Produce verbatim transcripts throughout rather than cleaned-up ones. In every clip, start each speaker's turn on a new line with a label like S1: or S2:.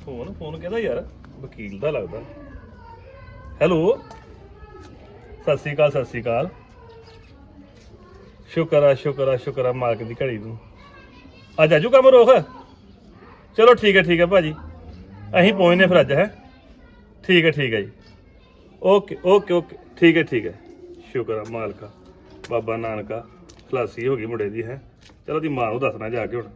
S1: Phone phone ਕਿਹਦਾ ਯਾਰ? ਵਕੀਲ ਦਾ ਲੱਗਦਾ। ਹੈਲੋ, ਸਤਿ ਸ਼੍ਰੀ ਅਕਾਲ ਸਤਿ ਸ਼੍ਰੀ ਅਕਾਲ। ਸ਼ੁਕਰ ਆ ਸ਼ੁਕਰ ਆ ਸ਼ੁਕਰ ਆ ਮਾਲਕ ਦੀ ਘੜੀ ਨੂੰ। ਅੱਜ ਆਜੂ ਕੰਮ ਰੋਕ। ਚਲੋ ਠੀਕ ਹੈ ਠੀਕ ਹੈ ਭਾਜੀ, ਅਸੀਂ ਪਹੁੰਚਨੇ ਫਿਰ ਅੱਜ। ਹੈ ਠੀਕ ਹੈ ਠੀਕ ਹੈ ਜੀ, ਓਕੇ ਓਕੇ ਓਕੇ, ਠੀਕ ਹੈ ਠੀਕ ਹੈ। ਸ਼ੁਕਰ ਆ ਮਾਲਕਾ, ਬਾਬਾ ਨਾਨਕਾ ਖਲਾਸੀ ਹੋ ਗਈ ਮੁੰਡੇ ਦੀ। ਹੈ ਚਲੋ ਦੀ ਮਾਂ ਨੂੰ ਦੱਸਣਾ ਜਾ ਕੇ ਹੁਣ।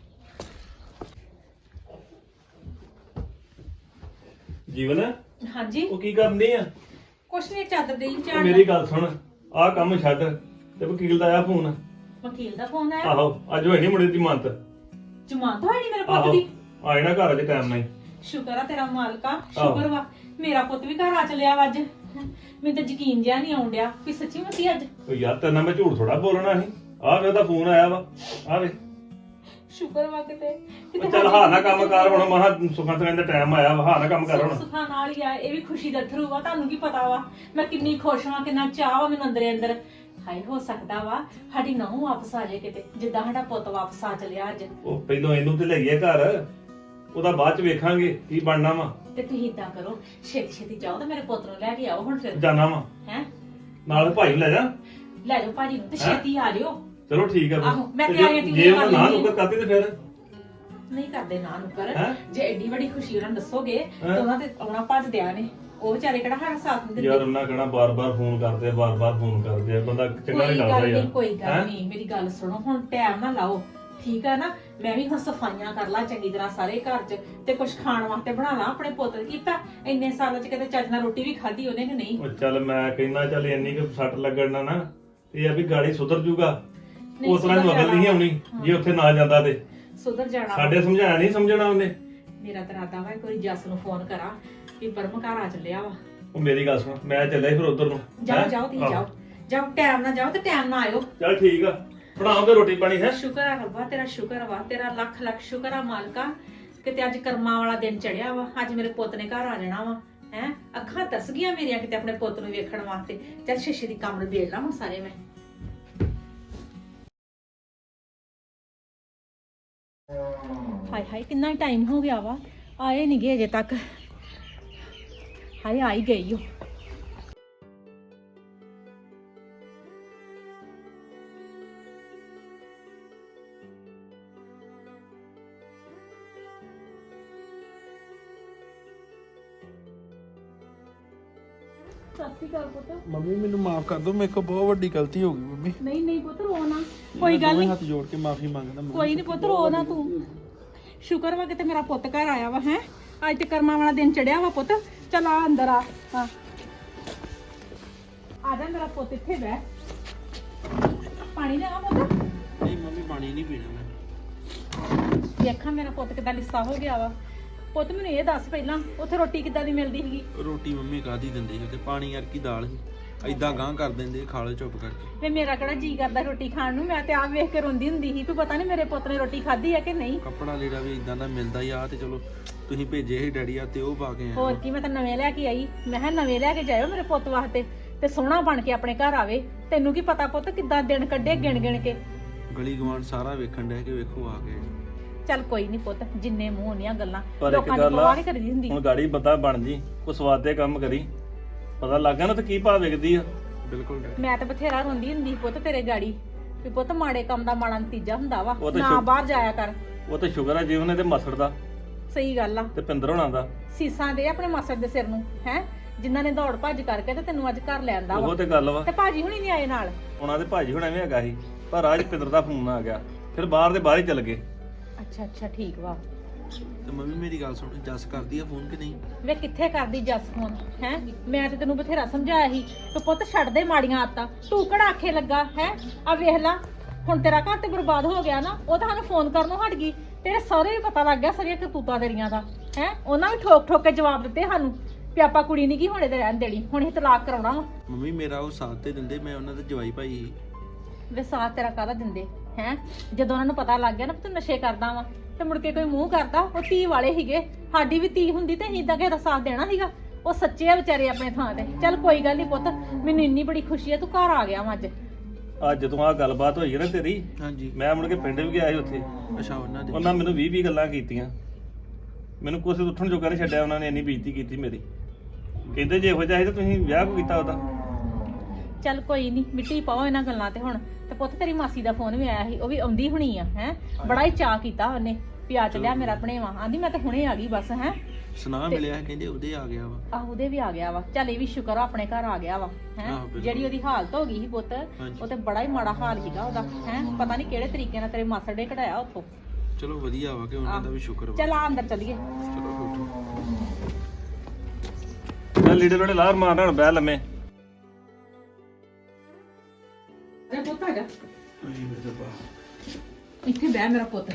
S1: ਜੀਵਨ,
S2: ਹਾਂਜੀ
S1: ਉਹ ਕੀ ਕਰਨੀ ਆ?
S2: ਕੁਛ ਨਹੀਂ, ਚਾਦਰ ਦੇਈ ਝਾੜ।
S1: ਮੇਰੀ ਗੱਲ ਸੁਣ, ਆਹ ਕੰਮ ਛੱਡ ਤੇ ਵਕੀਲ ਦਾ ਆਇਆ ਫੋਨ।
S2: ਵਕੀਲ ਦਾ ਫੋਨ ਆਇਆ?
S1: ਆਹੋ, ਅੱਜ ਹੋਈ ਨੀ ਮੁੰਡੇ ਦੀ ਜ਼ਮਾਨਤ।
S2: ਜ਼ਮਾਨਤ ਹੋਈ ਨੀ ਮੇਰੇ ਪੁੱਤ
S1: ਆਹੋ
S2: ਦੀ?
S1: ਆਏ ਨਾ ਘਰ ਅੱਜ ਟਾਈਮ ਨਹੀਂ।
S2: ਸ਼ੁਕਰ ਆ ਤੇਰਾ ਮਾਲਕਾ, ਸ਼ੁਕਰ ਵਾ ਮੇਰਾ ਪੁੱਤ ਵੀ ਘਰ ਆ ਚਲਿਆ ਵਾ ਅੱਜ। ਮੈਨੂੰ ਤਾਂ ਯਕੀਨ ਜਿਹਾ ਨਹੀਂ ਆਉਣ ਡਿਆ ਵੀ ਸੱਚੀ ਮੁੱਚੀ ਅੱਜ।
S1: ਉਹ ਯਾਰ ਤੇਰੇ ਨਾਲ ਮੈਂ ਝੂਠ ਥੋੜਾ ਬੋਲਣਾ ਸੀ। ਆਹ ਵੇ ਉਹਦਾ ਫੋਨ ਆਇਆ ਵਾ, ਆਹ ਵੇ।
S2: ਸ਼ੁਕਰ ਵਾ ਕਿਤੇ
S1: ਉਹ ਚੱਲ ਹਾਂ ਨਾ ਕੰਮ ਕਰ ਹੁਣ, ਮਹਾ ਸੁਖਾਂ ਸੁਖਾਂ ਦਾ ਟਾਈਮ ਆਇਆ ਵਾ, ਹਾਂ ਨਾ ਕੰਮ ਕਰ ਹੁਣ।
S2: ਸੁਖਾਂ ਨਾਲ ਹੀ ਆ, ਇਹ ਵੀ ਖੁਸ਼ੀ ਦਾ ਥਰੂ ਵਾ। ਤੁਹਾਨੂੰ ਕੀ ਪਤਾ ਵਾ ਮੈਂ ਕਿੰਨੀ ਖੁਸ਼ ਵਾਂ, ਕਿੰਨਾ ਚਾਹ ਵਾ ਮੈਨੂੰ ਅੰਦਰੇ ਅੰਦਰ। ਹਾਏ ਹੋ ਸਕਦਾ ਵਾ ਸਾਡੀ ਨੂੰਹ ਵਾਪਸ ਆ ਜਾਏ ਕਿਤੇ, ਜਿੱਦਾਂ ਸਾਡਾ ਪੁੱਤ ਵਾਪਸ ਆ ਚਲਿਆ ਅੱਜ।
S1: ਉਹ ਪਹਿਲਾਂ ਇਹਨੂੰ ਤੇ ਲੈ ਗਿਆ ਘਰ, ਉਹਦਾ ਬਾਅਦ ਚ ਵੇਖਾਂਗੇ ਕੀ ਬਣਨਾ ਵਾ।
S2: ਤੇ ਤੁਸੀਂ ਇਦਾਂ ਕਰੋ, ਛੇਤੀ ਛੇਤੀ ਜਾਓ ਤੇ ਮੇਰੇ ਪੁੱਤ ਨੂੰ ਲੈ ਕੇ ਆਓ ਹੁਣ ਫਿਰ।
S1: ਜਾਣਾ ਵਾ
S2: ਹੈ
S1: ਨਾਲ ਭਾਈ ਨੂੰ ਲੈ ਜਾ।
S2: ਲੈ ਜਾਓ ਭਾਜੀ ਨੂੰ ਤੇ ਛੇਤੀ ਆ ਜਿਓ।
S1: ਚਲੋ ਠੀਕ ਆ ਫਿਰ।
S2: ਆਹੋ, ਮੈਂ
S1: ਤੇ
S2: ਤੇ ਆਈ ਆਂ
S1: ਜੇ
S2: ਟਿਊਸ਼ਨ
S1: ਉਹ
S2: ਕਰ
S1: ਨਾ
S2: ਲੈਂਦੀ।
S1: ਨੁਕਰ ਕਰਦੀ ਤੇ ਫਿਰ
S2: ਨਹੀਂ ਕਰਦੇ ਨਾ ਨੁਕਰ।
S1: ਹੈਂ?
S2: ਜੇ ਐਡੀ ਵੱਡੀ ਖੁਸ਼ੀ ਉਹਨਾਂ ਨੂੰ ਦੱਸੋਗੇ
S1: ਹੈਂ?
S2: ਤਾਂ ਉਹਨਾਂ ਤੇ ਆਉਣਾ ਭੱਜਦਿਆਂ ਨੇ। ਉਹ ਵਿਚਾਰੇ ਕਿਹੜਾ ਸਾਡਾ ਸਾਥ ਨਹੀਂ
S1: ਯਾਰ
S2: ਦਿੰਦੇ।
S1: ਉਹਨਾਂ ਕਹਿਣਾ ਬਾਰ-ਬਾਰ ਫੋਨ ਕਰਦੇ ਆ, ਬਾਰ-ਬਾਰ ਫੋਨ ਕਰਦੇ ਆ, ਬੰਦਾ ਚੰਗਾ
S2: ਕੋਈ
S1: ਨਹੀਂ
S2: ਗੱਲ
S1: ਲੱਗਦਾ ਯਾਰ।
S2: ਨਹੀਂ, ਕੋਈ
S1: ਹੈਂ?
S2: ਗੱਲ ਨਹੀਂ, ਮੇਰੀ ਗੱਲ ਸੁਣੋ ਹੁਣ, ਟਾਈਮ ਨਾ ਲਾਓ ਠੀਕ ਆ ਨਾ। ਮੈਂ ਵੀ ਹੁਣ ਸਫਾਈਆਂ ਕਰ ਲਾਂ ਚੰਗੀ ਤਰ੍ਹਾਂ ਸਾਰੇ ਘਰ 'ਚ, ਤੇ ਕੁਝ ਖਾਣ ਵਾਸਤੇ ਬਣਾ ਲਾਂ ਆਪਣੇ ਪੁੱਤ ਦੀ। ਕੀਤਾ ਇੰਨੇ ਸਾਲਾਂ 'ਚ ਕਿਤੇ ਚੱਜ ਨਾਲ ਰੋਟੀ ਵੀ ਖਾਧੀ ਉਹਨੇ ਕਿ ਨਹੀਂ?
S1: ਉਹ ਚੱਲ ਮੈਂ ਕਹਿੰਦਾ ਚੱਲ ਇੰਨੀ ਕੁ ਸੱਟ ਲੱਗਣ ਨਾ ਨਾ ਇਹ ਆ ਵੀ ਗਾੜੀ ਸੁਧਰ ਜੂਗਾ।
S2: ਨਹੀਂ,
S1: ਉਸ ਤਰ੍ਹਾਂ
S2: ਸੁਧਰ
S1: ਮਗਰ ਨਹੀਂ ਆਉਣੀ ਜੇ ਉੱਥੇ ਨਾ ਜਾਂਦਾ ਤੇ।
S2: ਸੁਧਰ ਜਾਣਾ ਵਾ।
S1: ਸਾਡੇ ਸਮਝਾਇਆ ਨਹੀਂ ਸਮਝਣਾ ਉਹਨੇ।
S2: ਮੇਰਾ ਤਾਂ ਇਰਾਦਾ ਵਾ ਇੱਕ ਵਾਰੀ ਜੱਸ ਨੂੰ ਫੋਨ ਕਰਾਂ ਵੀ ਪਰਮ ਘਰ ਆ ਚੱਲਿਆ ਵਾ।
S1: ਉਹ ਮੇਰੀ ਗੱਲ ਸੁਣ, ਮੈਂ ਚੱਲਿਆ ਸੀ ਫਿਰ ਉਧਰ ਨੂੰ।
S2: ਜਾਓ
S1: ਹੈਂ?
S2: ਜਾਓ ਤੁਸੀਂ
S1: ਆਹੋ।
S2: ਜਾਓ ਜਾਓ, ਟਾਈਮ ਨਾਲ ਜਾਓ ਤੇ ਟਾਈਮ ਨਾਲ ਆਇਓ।
S1: ਚੱਲ ਠੀਕ ਆ, ਬਣਾਉਂਗੇ ਰੋਟੀ ਪਾਣੀ। ਹੈ
S2: ਸ਼ੁਕਰ ਆ ਰੱਬਾ, ਤੇਰਾ ਸ਼ੁਕਰ ਵਾ, ਤੇਰਾ ਲੱਖ ਲੱਖ ਸ਼ੁਕਰ ਆ ਮਾਲਕਾ। ਕਿਤੇ ਅੱਜ ਕਰਮਾਂ ਵਾਲਾ ਦਿਨ ਚੜਿਆ ਵਾ, ਅੱਜ ਮੇਰੇ ਪੁੱਤ ਨੇ ਘਰ ਆ ਜਾਣਾ ਵਾ। ਹੈ ਅੱਖਾਂ ਤਰਸ ਗਈਆਂ ਮੇਰੀਆਂ ਕਿਤੇ ਆਪਣੇ ਪੁੱਤ ਨੂੰ ਵੇਖਣ ਵਾਸਤੇ। ਚੱਲ ਸ਼ੀਸ਼ੇ ਦੀ ਕੰਮ ਨਿਬੇੜ ਲਾਂ ਹੁਣ ਸਾਰੇ ਮੈਂ। ਹਾਏ ਹਾਏ ਕਿੰਨਾ ਟਾਈਮ ਹੋ ਗਿਆ ਵਾ, ਆਏ ਨਹੀਂ ਗਏ ਅਜੇ ਤੱਕ। ਹਾਏ ਆ ਹੀ ਗਈ ਓ। ਸਤਿ ਸ਼੍ਰੀ ਅਕਾਲ ਪੁੱਤ।
S3: ਮੰਮੀ ਮੈਨੂੰ ਮਾਫ ਕਰ ਦਿਓ, ਮੇਰੇ ਕੋਲ ਬਹੁਤ ਵੱਡੀ ਗਲਤੀ ਹੋ ਗਈ ਮੰਮੀ।
S2: ਨਹੀਂ ਨਹੀਂ ਪੁੱਤ ਰੋ ਨਾ, ਕੋਈ ਗੱਲ ਨਹੀਂ।
S3: ਹੱਥ ਜੋੜ ਕੇ ਮਾਫੀ ਮੰਗਦਾ ਮੰਮੀ।
S2: ਕੋਈ ਨਹੀਂ ਪੁੱਤ ਰੋ ਨਾ ਤੂੰ। ਸ਼ੁਕਰ ਵਾ ਕਿਤੇ ਮੇਰਾ ਪੁੱਤ ਘਰ ਆਇਆ ਵਾ। ਹੈ ਅੱਜ ਤੇ ਕਰਮਾਂ ਵਾਲਾ ਦਿਨ ਚੜਿਆ ਵਾ ਪੁੱਤ। ਚਲ ਆ ਅੰਦਰ ਆ। ਹਾਂ ਆ ਜਾ ਮੇਰਾ ਪੁੱਤ, ਇੱਥੇ ਬਹਿ। ਪਾਣੀ ਲਿਆ ਪੁੱਤ।
S3: ਨਹੀਂ ਮੰਮੀ ਪਾਣੀ ਨਹੀਂ ਪੀਣਾ ਮੈਂ।
S2: ਵੇਖਾਂ ਮੇਰਾ ਪੁੱਤ ਕਿੱਦਾਂ ਲਿੱਸਾ ਹੋ ਗਿਆ ਵਾ। ਪੁੱਤ ਮੈਨੂੰ ਇਹ ਦੱਸ ਪਹਿਲਾਂ, ਉੱਥੇ ਰੋਟੀ ਕਿੱਦਾਂ ਦੀ ਮਿਲਦੀ ਸੀਗੀ?
S3: ਰੋਟੀ ਮੰਮੀ ਕਾਦੀ ਦਿੰਦੀ ਸੀ ਤੇ ਪਾਣੀ ਯਾਰ ਕੀ ਦਾਲ ਸੀ, ਐਦਾਂ ਗਾਂ ਕਰ ਦਿੰਦੇ, ਖਾ ਲਓ ਚੁੱਪ ਕਰਕੇ।
S2: ਵੇ ਮੇਰਾ ਕਿਹੜਾ ਜੀ ਕਰਦਾ ਰੋਟੀ ਖਾਣ ਨੂੰ? ਮੈਂ ਤੇ ਆਪ ਵੇਖ ਕੇ ਰੋਂਦੀ ਹੁੰਦੀ ਸੀ ਵੀ ਪਤਾ ਨਹੀਂ ਮੇਰੇ ਪੁੱਤ ਨੇ ਰੋਟੀ ਖਾਧੀ ਹੈ ਕਿ ਨਹੀਂ।
S3: ਕੱਪੜਾ ਲੀੜਾ ਵੀ ਇਦਾਂ ਦਾ ਮਿਲਦਾ ਹੀ ਆ, ਤੇ ਚਲੋ ਤੁਸੀਂ ਭੇਜੇ ਸੀ ਡੈਡੀ ਆ ਤੇ ਉਹ ਪਾ ਕੇ ਆਏ।
S2: ਹੋਰ ਕੀ, ਮੈਂ ਤਾਂ ਨਵੇਂ ਲੈ ਕੇ ਆਈ। ਮੈਂ ਕਿਹਾ ਨਵੇਂ ਲੈ ਕੇ ਜਾਇਓ ਮੇਰੇ ਪੁੱਤ ਵਾਸਤੇ, ਤੇ ਸੋਹਣਾ ਬਣ ਕੇ ਆਪਣੇ ਘਰ ਆਵੇ। ਤੈਨੂੰ ਕੀ ਪਤਾ ਪੁੱਤ ਕਿੱਦਾਂ ਦਿਨ ਕੱਢੇ ਗਿਣ ਗਿਣ ਕੇ।
S3: ਗਲੀ ਗਵਾਂਢ ਸਾਰਾ ਵੇਖਣ ਡਿਆ ਕਿ ਵੇਖੋ ਆ ਗਏ।
S2: ਚੱਲ ਕੋਈ ਨਹੀਂ ਪੁੱਤ, ਜਿੰਨੇ ਮੂੰਹ ਉਹਨੀਆਂ ਗੱਲਾਂ।
S1: ਪਰ ਇੱਕ
S2: ਲੋਕਾਂ ਦੀ
S1: ਗੱਲ ਆ,
S2: ਪਰਵਾਹ ਨਹੀਂ ਕਰੀਦੀ ਹੁੰਦੀ।
S1: ਹੁਣ ਗਾੜੀ ਬੰਦਾ ਬਣ ਜੀ, ਕੋ ਸਵਾਦ ਦੇ ਕੰਮ ਕਰੀ, ਪਤਾ ਲੱਗ ਗਿਆ ਨਾ ਤੇ ਕੀ ਭਾਅ ਵਿਕਦੀ ਆ।
S3: ਬਿਲਕੁਲ ਡੈਡੀ।
S2: ਮੈਂ ਤਾਂ ਬਥੇਰਾ ਰੋਂਦੀ ਹੁੰਦੀ ਸੀ ਪੁੱਤ ਤੇਰੇ ਗਾੜੀ ਵੀ ਪੁੱਤ ਮਾੜੇ ਕੰਮ ਦਾ ਮਾੜਾ ਨਤੀਜਾ ਹੁੰਦਾ ਵਾ,
S1: ਉਹ ਤਾਂ
S2: ਨਾ
S1: ਸ਼ੁਕ-
S2: ਬਾਹਰ ਜਾਇਆ ਕਰ।
S1: ਉਹ ਤਾਂ ਸ਼ੁਕਰ ਆ ਜੀਵਨ ਨੇ ਤੇ ਮਸੜ ਦਾ
S2: ਸਹੀ ਗੱਲ ਆ।
S1: ਤੇ ਪਿੰਦਰ ਹੋਣਾ ਦਾ।
S2: ਸੀਸਾਂ ਦੇ ਆਪਣੇ ਮਾਸੜ ਦੇ ਸਿਰ ਨੂੰ, ਹੈ ਜਿਨ੍ਹਾਂ ਨੇ ਦੌੜ ਭੱਜ ਕਰਕੇ ਤੇ ਤੈਨੂੰ ਅੱਜ ਘਰ ਲਿਆਂਦਾ
S1: ਉਹ
S2: ਵਾ।
S1: ਤੇ ਗੱਲ ਵਾ।
S2: ਤੇ ਭਾਜੀ ਹੁਣੀ ਨਹੀਂ ਆਏ ਨਾਲ?
S1: ਉਹਨਾਂ ਦੇ ਭਾਜੀ ਹੋਣਾ ਵੀ ਹੈਗਾ ਸੀ, ਪਰ ਅੱਜ ਪਿੰਦਰ ਦਾ ਫੋਨ ਆ ਗਿਆ, ਫਿਰ ਬਾਹਰ ਦੇ ਬਾਹਰ ਹੀ ਚੱਲ ਗਏ।
S2: ਅੱਛਾ ਅੱਛਾ ਠੀਕ ਵਾ।
S3: ਤੇ ਮੰਮੀ ਮੇਰੀ ਗੱਲ ਸੁਣ, ਜੱਸ ਕਰਦੀ ਆ ਫੋਨ ਕਿ ਨਹੀਂ?
S2: ਵੇ ਕਿੱਥੇ ਕਰਦੀ ਜੱਸ ਫੋਨ? ਹੈ ਮੈਂ ਤੇ ਤੈਨੂੰ ਬਥੇਰਾ ਸਮਝਾਇਆ ਸੀ ਤੂੰ ਪੁੱਤ ਛੱਡ ਦੇ ਮਾੜੀਆਂ ਆਦਤਾਂ। ਤੂੰ ਕਿਹੜਾ ਆਖੇ ਲੱਗਾ? ਹੈ ਆ ਵੇਖ ਲਾ ਹੁਣ ਤੇਰਾ ਘਰ ਤੇ ਬਰਬਾਦ ਹੋ ਗਿਆ ਨਾ। ਉਹ ਤਾਂ ਸਾਨੂੰ ਫੋਨ ਕਰਨੋਂ ਹਟ ਗਈ। ਤੇਰੇ ਸਹੁਰੇ ਵੀ ਪਤਾ ਲੱਗ ਗਿਆ ਸਾਰੀਆਂ ਕਰਤੂਤਾਂ ਤੇਰੀਆਂ ਦਾ। ਹੈ ਉਹਨਾਂ ਵੀ ਠੋਕ ਠੋਕ ਕੇ ਜਵਾਬ ਦਿੱਤੇ ਸਾਨੂੰ ਵੀ ਆਪਾਂ ਕੁੜੀ ਨਹੀਂ ਕੀ ਹੋਣੇ ਤੇ ਰਹਿਣ ਦੇਣੀ, ਹੁਣ ਇਹ ਤਲਾਕ ਕਰਾਉਣਾ ਵਾ।
S3: ਮੰਮੀ ਮੇਰਾ ਉਹ ਸਾਥ ਤੇ ਦਿੰਦੇ, ਮੈਂ ਉਹਨਾਂ ਦਾ ਜਵਾਈ ਭਾਈ ਸੀ।
S2: ਵੇ ਸਾਥ ਤੇਰਾ ਕਾਹਦਾ ਦਿੰਦੇ? ਹੈ ਜਦੋਂ ਉਹਨਾਂ ਨੂੰ ਪਤਾ ਲੱਗ ਗਿਆ ਨਾ ਤੂੰ ਨਸ਼ੇ ਕਰਦਾ ਵਾ, ਤੇ ਮੁੜ ਕੇ ਕੋਈ ਮੂੰਹ ਕਰਦਾ। ਉਹ ਧੀ ਵਾਲੇ ਸੀਗੇ, ਸਾਡੀ ਵੀ ਧੀ ਹੁੰਦੀ ਤੇ ਅਸੀਂ ਇਦਾਂ ਕਿਸੇ ਦਾ ਸਾਥ ਦੇਣਾ ਸੀਗਾ? ਉਹ ਸੱਚੇ ਆ ਵਿਚਾਰੇ ਆਪਣੇ ਥਾਂ ਤੇ। ਚੱਲ ਕੋਈ ਗੱਲ ਨਹੀਂ ਪੁੱਤ, ਮੈਨੂੰ ਇੰਨੀ ਬੜੀ ਖੁਸ਼ੀ ਹੈ ਤੂੰ ਘਰ ਆ ਗਿਆ ਵਾ ਅੱਜ।
S1: ਅੱਜ ਜਦੋਂ ਆਹ ਗੱਲਬਾਤ ਹੋਈ ਨਾ ਤੇਰੀ,
S3: ਹਾਂਜੀ।
S1: ਮੈਂ ਮੁੜ ਕੇ ਪਿੰਡ ਵੀ ਗਿਆ ਸੀ ਉੱਥੇ।
S3: ਅੱਛਾ ਉਹਨਾਂ ਦੇ
S1: ਉਹਨਾਂ ਮੈਨੂੰ ਵੀਹ ਵੀਹ ਗੱਲਾਂ ਕੀਤੀਆਂ ਮੈਨੂੰ ਕੁਛ ਉੱਠਣ ਜੋਗਾ ਨਹੀਂ ਛੱਡਿਆ ਉਹਨਾਂ ਨੇ, ਇੰਨੀ ਬੇਇੱਜ਼ਤੀ ਕੀਤੀ ਮੇਰੀ। ਕਹਿੰਦੇ ਜੇ ਇਹੋ ਜਿਹਾ ਸੀ ਤਾਂ ਤੁਸੀਂ ਵਿਆਹ ਕਿਉਂ ਕੀਤਾ ਉਹਦਾ?
S2: ਚੱਲ ਕੋਈ ਨਹੀਂ, ਮਿੱਟੀ ਪਾਓ ਇਹਨਾਂ ਗੱਲਾਂ ਤੇ ਹੁਣ। ਤੇ ਪੁੱਤ ਤੇਰੀ ਮਾਸੀ ਦਾ ਫੋਨ ਵੀ ਆਇਆ ਸੀ, ਉਹ ਵੀ ਆਉਂਦੀ ਹੁਣੀ ਆ ਹੈ। ਬੜਾ ਹੀ ਚਾਅ ਕੀਤਾ ਉਹਨੇ ਵੀ ਆ ਚੱਲਿਆ ਮੇਰਾ ਭਣੇਵਾ। ਆਂਦੀ ਮੈਂ ਤਾਂ ਹੁਣੇ ਆ ਗਈ ਬਸ ਹੈ।
S3: ਸੁਨਾ ਮਿਲਿਆ ਕਹਿੰਦੇ ਉਹਦੇ ਆ ਗਿਆ ਵਾ।
S2: ਆਹ ਉਹਦੇ ਵੀ ਆ ਗਿਆ ਵਾ। ਚੱਲ ਇਹ ਵੀ ਸ਼ੁਕਰ ਆ ਆਪਣੇ ਘਰ ਆ ਗਿਆ ਵਾ ਹੈ।
S3: ਆਹੋ, ਬਿਲਕੁਲ।
S2: ਜਿਹੜੀ ਉਹਦੀ ਹਾਲਤ ਹੋ ਗਈ ਸੀ ਪੁੱਤ,
S3: ਹਾਂਜੀ।
S2: ਉਹ ਤੇ ਬੜਾ ਹੀ ਮਾੜਾ ਹਾਲ ਸੀਗਾ ਉਹਦਾ ਹੈ। ਪਤਾ ਨਹੀਂ ਕਿਹੜੇ ਤਰੀਕੇ ਨਾਲ ਤੇਰੇ ਮਾਸੜ ਨੇ ਕਢਾਇਆ ਉੱਥੋਂ।
S3: ਚਲੋ ਵਧੀਆ ਵਾ ਕਿ ਉਹਨਾਂ ਦਾ ਵੀ ਸ਼ੁਕਰ ਵਾ।
S2: ਚੱਲ ਆ ਅੰਦਰ ਚੱਲੀਏ।
S3: ਚਲੋ ਬੈਠੋ।
S1: ਚੱਲ ਲੀੜੇ ਲੋੜੇ ਲਾਰ ਮਾਰਨਾ, ਹੁਣ ਬਹਿ ਲੰਮੇ।
S2: ਤੇ ਪੁੱਤ ਆ ਜਾ ਇੱਥੇ ਬਹਿ ਮੇਰਾ ਪੁੱਤ।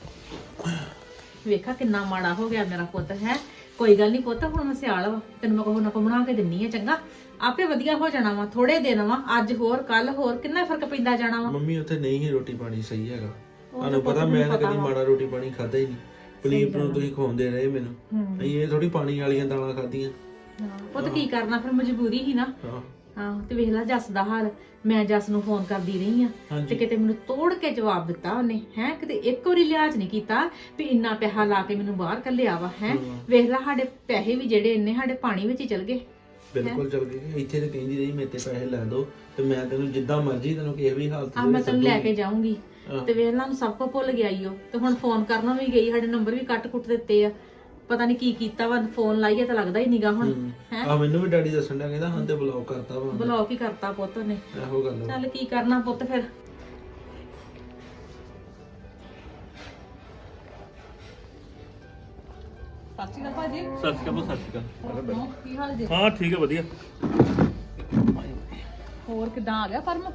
S2: ਵੇਖਾ ਕਿੰਨਾ ਮਾੜਾ ਹੋ ਗਿਆ ਮੇਰਾ ਪੁੱਤ ਹੈ। ਕੋਈ ਗੱਲ ਨਹੀਂ ਪੁੱਤ, ਹੁਣ ਮੈਂ ਸਿਆਲ ਵਾ, ਤੈਨੂੰ ਮੈਂ ਕੋਹ ਨਾ ਕੋ ਬਣਾ ਕੇ ਦਿੰਨੀ ਆ, ਚੰਗਾ ਆਪੇ ਵਧੀਆ ਹੋ ਜਾਣਾ ਵਾ। ਥੋੜੇ ਦਿਨ ਵਾ, ਅੱਜ ਹੋਰ ਕੱਲ ਹੋਰ, ਕਿੰਨਾ ਫਰਕ ਪੈਂਦਾ ਜਾਣਾ ਵਾ।
S3: ਮੰਮੀ ਉੱਥੇ ਨਹੀਂ ਹੀ ਰੋਟੀ ਪਾਣੀ ਸਹੀ ਹੈਗਾ।
S2: ਤਾਂ
S3: ਤੁਹਾਨੂੰ ਪਤਾ ਮੈਂ ਤਾਂ ਕਦੀ ਮਾੜਾ ਰੋਟੀ ਪਾਣੀ ਖਾਦਾ ਹੀ ਨਹੀਂ। ਪਨੀਰ ਨੂੰ ਤੁਸੀਂ ਖਵਾਉਂਦੇ ਰਹੇ ਮੈਨੂੰ, ਅਸੀਂ ਇਹ ਥੋੜੀ ਪਾਣੀ ਵਾਲੀਆਂ ਦਾਲਾਂ ਖਾਧੀਆਂ।
S2: ਪੁੱਤ ਕੀ ਕਰਨਾ, ਫਿਰ ਮਜਬੂਰੀ ਹੀ ਨਾ।
S3: ਹਾਂ
S2: ਹਾਂ ਤੇ ਵੇਖ ਲੈ ਜੱਸ ਦਾ ਹਾਲ। ਮੈਂ ਜੱਸ ਨੂੰ ਫੋਨ ਕਰਦੀ ਰਹੀ ਆ
S3: ਹਾਂਜੀ।
S2: ਤੇ ਕਿਤੇ ਮੈਨੂੰ ਤੋੜ ਕੇ ਜਵਾਬ ਦਿੱਤਾ ਉਹਨੇ ਹੈ। ਕਿਤੇ ਇੱਕ ਵਾਰੀ ਲਿਹਾਜ਼ ਨਹੀਂ ਕੀਤਾ ਵੀ ਇੰਨਾ ਪੈਸਾ ਲਾ ਕੇ ਮੈਨੂੰ ਬਾਹਰ ਕੱਲਿਆ ਵਾ ਹੈ। ਵੇਖ ਲੈ ਸਾਡੇ ਪੈਸੇ ਵੀ ਜਿਹੜੇ ਇੰਨੇ ਸਾਡੇ ਪਾਣੀ ਵਿੱਚ ਹੀ ਚਲ ਗਏ।
S3: ਬਿਲਕੁਲ ਚਲ ਗਈ। ਇੱਥੇ ਤੇ ਕਹਿੰਦੀ ਰਹੀ ਮੇਰੇ ਤੇ ਪੈਸੇ ਲੈ ਦੋ ਤੇ ਮੈਂ ਤੈਨੂੰ ਜਿੱਦਾਂ ਮਰਜ਼ੀ ਤੈਨੂੰ ਕਿਸੇ ਵੀ ਹਾਲਤ
S2: ਆ ਮੈਂ ਤੈਨੂੰ ਲੈ ਕੇ ਜਾਊਂਗੀ। ਤੇ ਵੇਖ ਲਾ ਨੂੰ ਸਭ ਕੁਝ ਭੁੱਲ ਗਿਆ ਈ ਉਹ। ਤੇ ਹੁਣ ਫੋਨ ਕਰਨਾ ਵੀ ਗਈ, ਸਾਡੇ ਨੰਬਰ ਵੀ ਕੱਟ ਕੁੱਟ ਦਿੱਤੇ ਆ। ਪਤਾ ਨਹੀਂ ਕੀ ਕੀਤਾ ਵਾ, ਫੋਨ ਲਾਈਏ ਤਾਂ ਲੱਗਦਾ ਹੀ ਨੀਗਾ ਹੁਣ ਹੈ।
S3: ਆ ਮੈਨੂੰ ਵੀ ਡੈਡੀ ਦੱਸਣ ਡਿਆ, ਕਹਿੰਦਾ ਹਾਂ ਤੇ ਬਲੌਕ ਕਰਤਾ ਵਾ।
S2: ਬਲੌਕ ਹੀ ਕਰਤਾ ਪੁੱਤ ਨੇ।
S3: ਇਹੋ ਗੱਲ ਵਾ।
S2: ਚੱਲ ਕੀ ਕਰਨਾ ਪੁੱਤ ਫਿਰ। ਸਤਿ ਸ਼੍ਰੀ ਅਕਾਲ ਭਾਜੀ।
S1: ਸਤਿ ਸ਼੍ਰੀ ਅਕਾਲ, ਸਤਿ ਸ਼੍ਰੀ ਅਕਾਲ।
S2: ਕੀ ਹਾਲ ਜੀ?
S1: ਹਾਂ ਠੀਕ ਹੈ, ਵਧੀਆ।
S2: ਹੋਰ ਕਿਦਾਂ ਆ ਗਿਆ ਫਰਮ?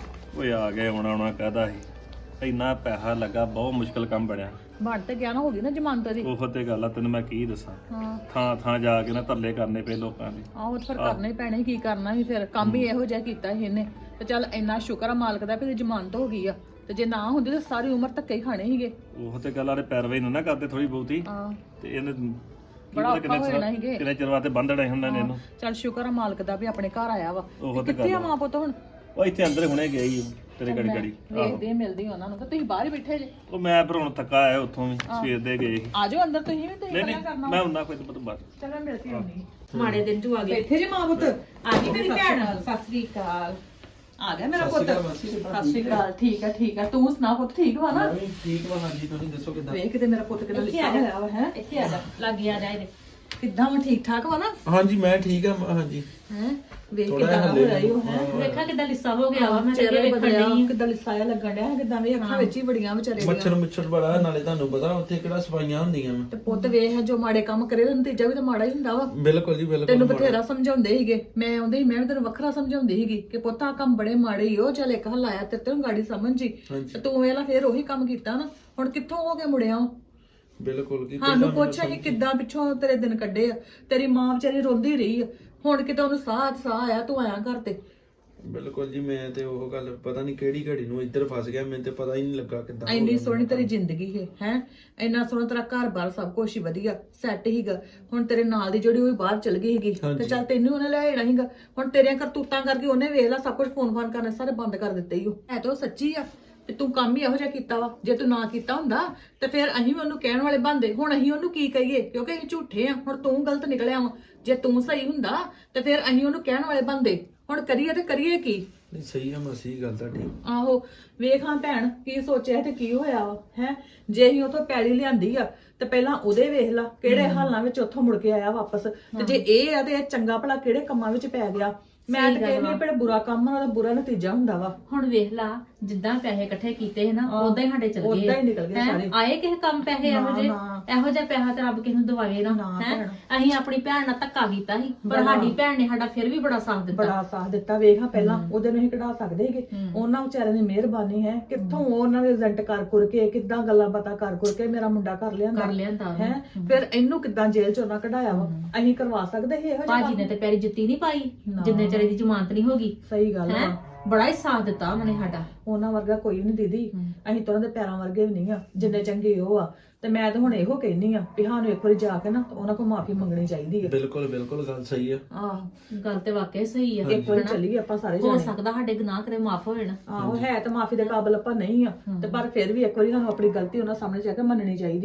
S1: ਓਏ ਆ ਗਏ, ਆਉਣਾ ਆਉਣਾ ਕਾਹਦਾ ਸੀ। ਇੰਨਾ ਪੈਸਾ ਲੱਗਾ, ਬਹੁਤ ਮੁਸ਼ਕਲ ਕੰਮ ਬਣਿਆ।
S2: ਬਣ ਤੇ ਗਿਆ ਨਾ, ਹੋ ਗਈ ਨਾ ਜ਼ਮਾਨਤ ਦੀ।
S1: ਉਹ ਤੇ ਗੱਲ ਆ, ਤੈਨੂੰ ਮੈਂ ਕੀ ਦੱਸਾਂ।
S2: ਹਾਂ
S1: ਥਾਂ ਥਾਂ ਜਾ ਕੇ ਨਾ ਤਰਲੇ ਕਰਨੇ ਪਏ ਲੋਕਾਂ ਦੇ।
S2: ਆਹੋ ਤੇ ਫਿਰ ਕਰਨਾ ਹੀ ਪੈਣਾ ਸੀ, ਕੀ ਕਰਨਾ ਸੀ ਫਿਰ। ਕੰਮ ਹੀ ਇਹੋ ਜਿਹਾ ਕੀਤਾ ਸੀ ਇਹਨੇ। ਤੇ ਚੱਲ ਇੰਨਾ ਸ਼ੁਕਰ ਆ ਮਾਲਕ ਦਾ ਵੀ ਇਹਦੀ ਜ਼ਮਾਨਤ ਹੋ ਗਈ ਆ। ਤੇ ਜੇ ਨਾ ਹੁੰਦੀ ਤਾਂ ਸਾਰੀ ਉਮਰ ਧੱਕੇ ਹੀ ਖਾਣੇ ਸੀਗੇ।
S1: ਉਹ ਤੇ ਗੱਲ ਆਰੇ ਪੈਰਵਾਈ ਨੂੰ ਨਾ ਕਰਦੇ ਥੋੜੀ ਬਹੁਤੀ।
S2: ਹਾਂ
S1: ਤੇ ਇਹਨੇ
S2: ਬੜਾ ਔਖਾ ਹੋ ਜਾਣਾ ਸੀਗੇ।
S1: ਕਿੰਨੇ ਚਿਰ ਵਾਸਤੇ ਬੰਦੜੇ ਹੁੰਦੇ ਨੇ ਇਹਨੂੰ।
S2: ਚੱਲ ਸ਼ੁਕਰ ਆ ਮਾਲਕ ਦਾ ਵੀ ਆਪਣੇ ਘਰ ਆਇਆ ਵਾ।
S1: ਉਹ ਤੇ
S2: ਕਿੱਥੇ ਆ
S1: ਗੱਲ
S2: ਮਾਂ ਪੁੱਤ ਹੁਣ?
S1: ਉਹ ਇੱਥੇ ਅੰਦਰ ਹੁਣੇ ਗਿਆ ਹੀ ਤੇਰੇ ਗੜੀ ਗੜੀ।
S2: ਵੇਖਦੇ ਆ, ਮਿਲਦੀ ਉਹਨਾਂ ਨੂੰ। ਤੇ ਤੁਸੀਂ ਬਾਹਰ ਹੀ ਬੈਠੇ ਜੇ।
S1: ਉਹ ਮੈਂ ਫਿਰ ਹੁਣ ਥੱਕਾ ਆਇਆ ਉੱਥੋਂ ਵੀ, ਸਵੇਰ ਦੇ ਗਏ ਸੀ।
S2: ਆ ਜਾਓ ਅੰਦਰ, ਤੁਸੀਂ ਵੀ ਤੁਸੀਂ
S1: ਨਹੀਂ
S2: ਗੱਲਾਂ
S1: ਨਹੀਂ
S2: ਕਰਨਾ।
S1: ਮੈਂ ਹੁੰਦਾ ਕੋਈ ਤਾਂ ਬਸ।
S2: ਚਲ ਮੈਂ ਮਿਲਦੀ ਹੁੰਦੀ। ਮਾੜੇ ਦਿਨ ਚ ਆ ਗਏ।
S4: ਇੱਥੇ ਜੇ ਮਾਂ ਪੁੱਤ
S2: ਆ ਗਈ ਮੇਰੀ ਭੈਣ। ਸਤਿ ਸ੍ਰੀ ਅਕਾਲ। ਆ ਗਿਆ ਮੇਰਾ ਪੁੱਤ। ਸਤਿ ਸ੍ਰੀ ਅਕਾਲ। ਠੀਕ ਆ ਠੀਕ ਆ, ਤੂੰ ਸੁਣਾ ਪੁੱਤ, ਠੀਕ ਵਾ ਨਾ?
S3: ਠੀਕ ਵਾ ਹਾਂਜੀ, ਤੁਸੀਂ ਦੱਸੋ ਕਿੱਦਾਂ?
S4: ਵੇਖ ਕਿਤੇ ਮੇਰਾ ਪੁੱਤ ਕਿਦਾਂ
S2: ਇੱਥੇ
S4: ਲਿਖਿਆ
S2: ਆ ਜਾ।
S4: ਹੋਇਆ ਵਾ ਹੈ।
S2: ਇੱਥੇ ਆ ਜਾ, ਲੱਗ ਆ ਜਾ ਇਹਦੇ।
S4: ਕਿੱਦਾਂ ਵਾ, ਠੀਕ ਠਾਕ ਵਾ ਨਾ?
S3: ਹਾਂਜੀ ਮੈਂ ਠੀਕ ਆ ਹਾਂਜੀ।
S4: ਹੈ ਵੇਖ
S3: ਥੋੜ੍ਹਾ
S4: ਕਿਦਾਂ
S3: ਹਲੇ
S4: ਹੋਇਆ ਈ ਉਹ ਹੈ।
S2: ਵੇਖਾ ਕਿੱਦਾਂ ਲਿੱਸਾ ਹੋ ਗਿਆ ਵਾ। ਮੈਂ
S4: ਚਿਹਰੇ
S2: ਲੱਗੇ ਵੇਖਣ
S4: ਬਦਲਿਆ,
S2: ਡਈ।
S4: ਕਿੱਦਾਂ ਲਿਸਾਇਆ ਲੱਗਣ ਡਿਆ, ਕਿੱਦਾਂ ਵੇ ਅੱਖਾਂ ਵਿੱਚ ਹੀ ਬੜੀਆਂ ਵਿਚਾਰੇ ਦੀਆਂ।
S3: ਮੱਛਰ ਮੁੱਛਰ ਬੜਾ, ਨਾਲੇ ਤੁਹਾਨੂੰ ਪਤਾ ਉੱਥੇ ਕਿਹੜਾ ਸਫਾਈਆਂ ਹੁੰਦੀਆਂ ਵਾ।
S4: ਤੇ ਪੁੱਤ ਵੇਖ ਜੋ ਮਾੜੇ ਕੰਮ ਕਰੇ ਤਾਂ ਨਤੀਜਾ ਵੀ ਤਾਂ ਮਾੜਾ ਹੀ ਹੁੰਦਾ ਵਾ।
S3: ਬਿਲਕੁਲ ਜੀ ਬਿਲਕੁਲ।
S4: ਤੈਨੂੰ ਬਥੇਰਾ ਸਮਝਾਉਂਦੇ ਸੀਗੇ, ਮੈਂ ਆਉਂਦੇ ਸੀ ਮੈਂ ਵੀ ਤੈਨੂੰ ਵੱਖਰਾ ਸਮਝਾਉਂਦੀ ਸੀਗੀ ਕਿ ਪੁੱਤ ਆਹ ਕੰਮ ਬੜੇ ਮਾੜੇ ਹੀ ਉਹ। ਚੱਲ ਇੱਕ ਹੱਲ ਆਇਆ ਤੇ ਤੈਨੂੰ ਗਾੜੀ ਸਮਝ ਜੀ।
S3: ਹਾਂਜੀ।
S4: ਤੇ ਤੂੰ ਵੇਲਾ ਫੇਰ ਉਹੀ ਕੰਮ ਕੀਤਾ ਨਾ। ਹੁਣ ਕਿੱਥੋਂ ਹੋ ਕੇ ਮੁੜਿਆ ਵਾਂ?
S3: ਬਿਲਕੁਲ ਕੀ
S4: ਸਾਨੂੰ ਪੁੱਛ ਅਸੀਂ ਕਿੱਦਾਂ ਪਿੱਛੋਂ ਤੇਰੇ ਦਿਨ ਕੱਢੇ ਆ। ਤੇਰੀ ਮਾਂ ਵਿਚਾਰੀ ਰੋਂਦੀ ਰਹੀ ਆ, ਹੁਣ ਕਿਤੇ ਉਹਨੂੰ ਸਾਹ ਸਾਹ ਆਇਆ, ਤੂੰ ਆਇਆ ਘਰ ਤੇ।
S3: ਬਿਲਕੁਲ ਜੀ, ਮੈਂ ਤੇ ਉਹ ਗੱਲ ਪਤਾ ਨਹੀਂ ਕਿਹੜੀ ਘੜੀ ਨੂੰ ਇੱਧਰ ਫਸ ਗਿਆ, ਮੈਨੂੰ ਤੇ ਪਤਾ ਹੀ ਨਹੀਂ ਲੱਗਾ ਕਿੱਦਾਂ ਹੋ
S4: ਇੰਨੀ
S3: ਗਿਆ
S4: ਸੋਹਣੀ ਤੇਰੀ ਜ਼ਿੰਦਗੀ ਹੈ ਹੈ ਇੰਨਾ ਸੋਹਣਾ ਤੇਰਾ ਘਰ-ਬਾਰ ਸਭ ਕੁਝ ਹੀ ਵਧੀਆ ਸੈੱਟ ਹੀਗਾ। ਹੁਣ ਤੇਰੇ ਨਾਲ ਦੀ ਜਿਹੜੀ ਉਹ ਵੀ ਬਾਹਰ ਚਲ ਗਈ ਸੀਗੀ ਤੇ ਚੱਲ ਤੈਨੂੰ ਉਹਨੇ ਲੈ ਜਾਣਾ ਸੀਗਾ। ਹੁਣ ਤੇਰੀਆਂ ਕਰਤੂਤਾਂ ਕਰਕੇ ਉਹਨੇ ਵੇਖ ਲਾ ਸਭ ਕੁਝ ਫੋਨ ਫਾਨ ਕਰਨੇ ਸਾਰੇ ਬੰਦ ਕਰ ਦਿੱਤੇ ਹੀ। ਉਹ ਹੈ ਤਾਂ ਉਹ ਸੱਚੀ ਆ ਤੇ ਤੂੰ ਕੰਮ ਹੀ ਇਹੋ ਜਿਹਾ ਕੀਤਾ ਵਾ। ਜੇ ਤੂੰ ਨਾ ਕੀਤਾ ਹੁੰਦਾ ਤੇ ਫਿਰ ਅਸੀਂ ਵੀ ਉਹਨੂੰ ਕਹਿਣ ਵਾਲੇ ਬੰਦੇ। ਹੁਣ ਅਸੀਂ ਉਹਨੂੰ ਕੀ ਕਹੀਏ ਕਿਉਂਕਿ ਅਸੀਂ ਝੂਠੇ ਆ। ਹੁਣ ਤੂੰ ਗਲਤ ਨਿਕਲਿਆ ਵਾ। ਜੇ ਤੂੰ ਸਹੀ ਹੁੰਦਾ ਤੇ ਫਿਰ ਅਸੀਂ ਉਹਨੂੰ ਕਹਿਣ ਵਾਲੇ ਬੰਦੇ। ਹੁਣ ਕਰੀਏ ਤੇ ਕਰੀਏ ਕੀ?
S3: ਨਹੀਂ ਸਹੀ ਆ ਮਾਸੀ ਗੱਲ ਤੁਹਾਡੀ।
S4: ਆਹੋ ਵੇਖ ਹਾਂ ਭੈਣ ਕੀ ਸੋਚਿਆ ਤੇ ਕੀ ਹੋਇਆ ਵਾ ਹੈ। ਜੇ ਅਸੀਂ ਉਥੋਂ ਪੈਲੀ ਲਿਆਂਦੀ ਆ ਤੇ ਪਹਿਲਾਂ ਉਹਦੇ ਵੇਖ ਲਾ ਕਿਹੜੇ ਹਾਲਾਂ ਵਿੱਚ ਉੱਥੋਂ ਮੁੜ ਕੇ ਆਇਆ ਵਾਪਸ। ਤੇ ਜੇ ਇਹ ਆ ਤੇ ਇਹ ਚੰਗਾ ਭਲਾ ਕਿਹੜੇ ਕੰਮਾਂ ਵਿੱਚ ਪੈ ਗਿਆ। ਮੈਂ ਤਾਂ ਕਹਿੰਦੀ ਆ ਬੜਾ ਬੁਰਾ ਕੰਮ ਆ, ਉਹਦਾ ਬੁਰਾ ਨਤੀਜਾ ਹੁੰਦਾ ਵਾ।
S2: ਹੁਣ ਵੇਖ ਲਾ ਜਿੱਦਾਂ ਪੈਸੇ ਇਕੱਠੇ ਕੀਤੇ ਸੀ ਨਾ ਉਦਾਂ ਹੀ ਸਾਡੇ ਚੱਲ ਗਏ।
S4: ਉਦਾਂ ਹੀ ਨਿਕਲ ਗਏ
S2: ਹੈਂ?
S4: ਸਾਰੇ।
S2: ਆਏ ਕਿਸੇ ਕੰਮ ਪੈਸੇ ਇਹੋ ਜਿਹੇ ਇਹੋ ਜਿਹਾ ਪੈਸਾ ਤੇ ਰੱਬ ਕਿਸੇ ਨੂੰ ਦਵਾਵੇ ਨਾ ਹੈ। ਅਸੀਂ ਆਪਣੀ ਭੈਣ ਨਾਲ ਧੱਕਾ ਕੀਤਾ ਸੀ ਪਰ ਸਾਡੀ ਭੈਣ ਨੇ ਸਾਡਾ ਫਿਰ ਵੀ ਬੜਾ ਸਾਥ ਦਿੱਤਾ।
S4: ਬੜਾ ਸਾਥ ਦਿੱਤਾ। ਵੇਖ ਹਾਂ ਪਹਿਲਾਂ ਉਹਦੇ ਨੂੰ ਹੀ ਕਢਾ ਸਕਦੇ ਸੀਗੇ। ਉਹਨਾਂ ਵਿਚਾਰਿਆਂ ਦੀ ਮਿਹਰਬਾਨੀ ਹੈ ਕਿੱਥੋਂ ਉਹਨਾਂ ਦੇ ਏਜੰਟ ਕਰ ਕੁਰ ਕੇ ਕਿੱਦਾਂ ਗੱਲਾਂ ਬਾਤਾਂ ਕਰ ਕੁਰ ਕੇ ਮੇਰਾ ਮੁੰਡਾ ਕਰ ਲਿਆਂਦਾ
S2: ਕਰ ਲਿਆਂਦਾ
S4: ਹੈ। ਫਿਰ ਇਹਨੂੰ ਕਿੱਦਾਂ ਜੇਲ੍ਹ ਚੋਂ ਨਾ ਕਢਾਇਆ ਵਾ। ਅਸੀਂ ਕਰਵਾ ਸਕਦੇ ਸੀ ਇਹੋ ਜਿਹਾ।
S2: ਭਾਜੀ ਨੇ ਤੇ ਪੈਰੀ ਜੁੱਤੀ ਨਹੀਂ ਪਾਈ ਜਿੰਨੇ ਚਿਰ ਦੀ ਜ਼ਮਾਨਤ ਨਹੀਂ ਹੋਗੀ।
S4: ਸਹੀ ਗੱਲ
S2: ਹੈ
S4: ਆ।
S2: ਬੜਾ ਹੀ ਸਾਥ ਦਿੱਤਾ ਉਹਨਾਂ ਨੇ ਸਾਡਾ।
S4: ਉਹਨਾਂ ਵਰਗਾ ਕੋਈ ਨਹੀਂ ਦੀਦੀ। ਅਸੀਂ ਤਾਂ ਉਹਨਾਂ ਦੇ ਪੈਰਾਂ ਵਰਗੇ ਵੀ ਨਹੀਂ ਆ ਜਿੰਨੇ ਚੰਗੇ ਉਹ ਆ। ਤੇ ਮੈਂ ਤਾਂ ਹੁਣ ਇਹੋ ਕਹਿਨੀ ਆ ਵੀ ਸਾਨੂੰ ਇੱਕ ਵਾਰੀ ਜਾ ਕੇ ਨਾ ਉਹਨਾਂ ਕੋਲ ਮਾਫੀ ਮੰਗਣੀ ਚਾਹੀਦੀ ਆ।
S3: ਬਿਲਕੁਲ ਬਿਲਕੁਲ ਗੱਲ ਸਹੀ ਆ।
S4: ਆਹ
S2: ਗੱਲ ਤੇ ਵਾਕਿਆ ਸਹੀ ਆ।
S4: ਇੱਕ ਵਾਰੀ ਚੱਲੀਏ ਆਪਾਂ ਸਾਰੇ
S2: ਹੋ
S4: ਜਾਣੇ।
S2: ਸਕਦਾ ਸਾਡੇ ਗੁਨਾਹ ਕਰੇ ਮਾਫ ਹੋ ਜਾਣ।
S4: ਆਹੋ ਹੈ ਤਾਂ ਮਾਫੀ ਦੇ ਕਾਬਿਲ ਆਪਾਂ ਨਹੀਂ ਆ ਤੇ ਪਰ ਫਿਰ ਵੀ ਇੱਕ ਵਾਰੀ ਸਾਨੂੰ ਆਪਣੀ ਗਲਤੀ ਉਹਨਾਂ ਸਾਹਮਣੇ ਜਾ ਕੇ ਮੰਨਣੀ ਚਾਹੀਦੀ ਆ।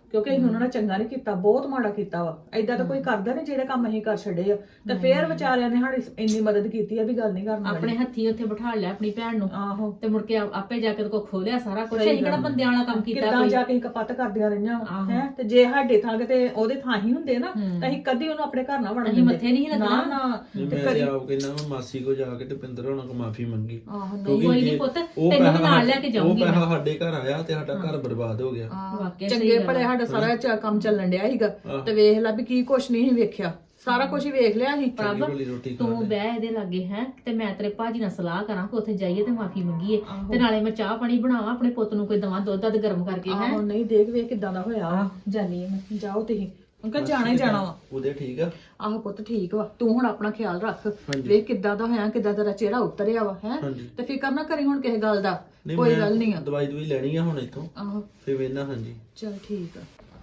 S4: ਕਿਉਂਕਿ ਅਸੀਂ ਉਹਨਾਂ ਨਾਲ ਚੰਗਾ ਨਹੀਂ ਕੀਤਾ, ਬਹੁਤ ਮਾੜਾ ਕੀਤਾ ਵਾ। ਐਦਾਂ ਤਾਂ ਕੋਈ ਕਰਦਾ ਨਹੀਂ ਜਿਹੜੇ ਕੰਮ ਅਸੀਂ ਕਰ ਛੱਡੇ ਆ, ਤੇ ਫੇਰ ਵਿਚਾਰਿਆਂ ਨੇ ਸਾਡੀ ਇੰਨੀ ਮਦਦ ਕੀਤੀ ਆ ਵੀ ਗੱਲ ਨਹੀਂ ਕਰਨੀ।
S2: ਆਪਣੇ ਹੱਥੀ ਉੱਥੇ ਬਿਠਾ ਲਿਆ ਆਪਣੀ ਭੈਣ ਨੂੰ,
S4: ਆਹੋ,
S2: ਤੇ ਮੁੜ ਕੇ ਆਪੇ ਜਾ ਕੇ ਕੋ ਖੋਲਿਆ ਸਾਰਾ ਕੁਝ। ਅਸੀਂ ਕਿਹੜਾ ਬੰਦਿਆਂ ਵਾਲਾ ਕੰਮ ਕੀਤਾ
S4: ਕਿੱਦਾਂ
S2: ਕੋਈ।
S4: ਜਾ ਕੇ ਕਪੱਤ ਕਰਦੀਆਂ ਰਹੀਆਂ ਹੈ, ਤੇ ਜੇ ਸਾਡੇ ਥਾਂ ਤੇ ਉਹਦੇ ਥਾਂ ਹੀ ਹੁੰਦੇ ਨਾ ਤਾਂ ਅਸੀਂ ਕਦੀ ਉਹਨੂੰ ਆਪਣੇ ਘਰ ਨਾ ਵੜਨ
S2: ਅਸੀਂ ਮੱਥੇ ਨਹੀਂ ਲੱਗਣਾ।
S4: ਨਾ ਨਾ
S3: ਮੈਂ ਤੇ ਆਪ ਕਹਿੰਦਾ ਮੈਂ ਮਾਸੀ ਕੋ ਜਾ ਕੇ ਤੇ ਪਿੰਦਰ ਹੋਣਾ ਕੋ ਮਾਫੀ ਮੰਗੀ।
S4: ਆਹੋ,
S2: ਕੋਈ ਨਹੀਂ ਪੁੱਤ, ਤੈਨੂੰ ਵੀ ਨਾਲ ਲੈ ਕੇ ਜਾਊਂਗੀ
S3: ਉਹ ਪੈਸਾ ਸਾਡੇ ਘਰ ਆਇਆ ਤੇ ਸਾਡਾ ਘਰ ਬਰਬਾਦ ਹੋ ਗਿਆ।
S2: ਵਾਕਿਆ
S4: ਚੰਗੇ ਭਲੇ ਸਾਡਾ ਸਾਰਾ ਚ- ਕੰਮ ਚੱਲਣ ਡਿਆ ਸੀਗਾ, ਤੇ ਵੇਖ ਲੈ ਵੀ ਕੀ ਕੁਛ ਨਹੀਂ ਸੀ ਵੇਖਿਆ, ਸਾਰਾ ਕੁਝ ਹੀ ਵੇਖ ਲਿਆ ਸੀ।
S2: ਪ੍ਰਭ
S3: ਵਾਲੀ ਰੋਟੀ ਖਾ
S2: ਤੂੰ ਬਹਿ ਇਹਦੇ ਲਾਗੇ ਹੈ, ਤੇ ਮੈਂ ਤੇਰੇ ਭਾਜੀ ਨਾਲ ਸਲਾਹ ਕਰਾਂ ਕਿ ਉੱਥੇ ਜਾਈਏ ਤੇ ਮਾਫੀ ਮੰਗੀਏ, ਤੇ ਨਾਲੇ ਮੈਂ ਚਾਹ ਪਾਣੀ ਬਣਾਵਾਂ ਆਪਣੇ ਪੁੱਤ ਨੂੰ, ਕੋਈ ਦਵਾਂ ਦੁੱਧ ਦੱਧ ਗਰਮ ਕਰਕੇ ਹੈ।
S4: ਆਹੋ, ਨਹੀਂ ਦੇਖ ਵੇਖ ਕਿਦਾਂ ਦਾ ਹੋਇਆ ਵਾ।
S2: ਜਾਨੀ ਆ ਮੈਂ।
S4: ਜਾਓ ਤੁਸੀਂ, ਅੰਕਲ ਜਾਣਾ ਹੀ ਜਾਣਾ ਵਾ।
S3: ਉਹਦੇ ਠੀਕ ਆ।
S4: ਆਹੋ ਪੁੱਤ ਠੀਕ ਵਾ, ਤੂੰ ਹੁਣ ਆਪਣਾ ਖਿਆਲ ਰੱਖ,
S3: ਹਾਂਜੀ।
S4: ਵੇਖ ਕਿੱਦਾਂ ਦਾ ਹੋਇਆ, ਕਿੱਦਾਂ ਤੇਰਾ ਚਿਹਰਾ ਉਤਰਿਆ ਵਾ ਹੈ,
S3: ਹਾਂਜੀ।
S4: ਤੇ ਫਿਕਰ ਨਾ ਕਰੀ ਹੁਣ ਕਿਸੇ ਗੱਲ ਦਾ,
S3: ਨਹੀਂ,
S4: ਕੋਈ
S3: ਮੈਂ
S4: ਗੱਲ ਨਹੀਂ ਆ।
S3: ਦਵਾਈ ਦਵਾਈ ਲੈਣੀ ਆ ਹੁਣ ਇੱਥੋਂ,
S4: ਆਹੋ
S3: ਫੇਰ ਵੇਨਾ। ਹਾਂਜੀ
S4: ਚਲ ਠੀਕ ਆ।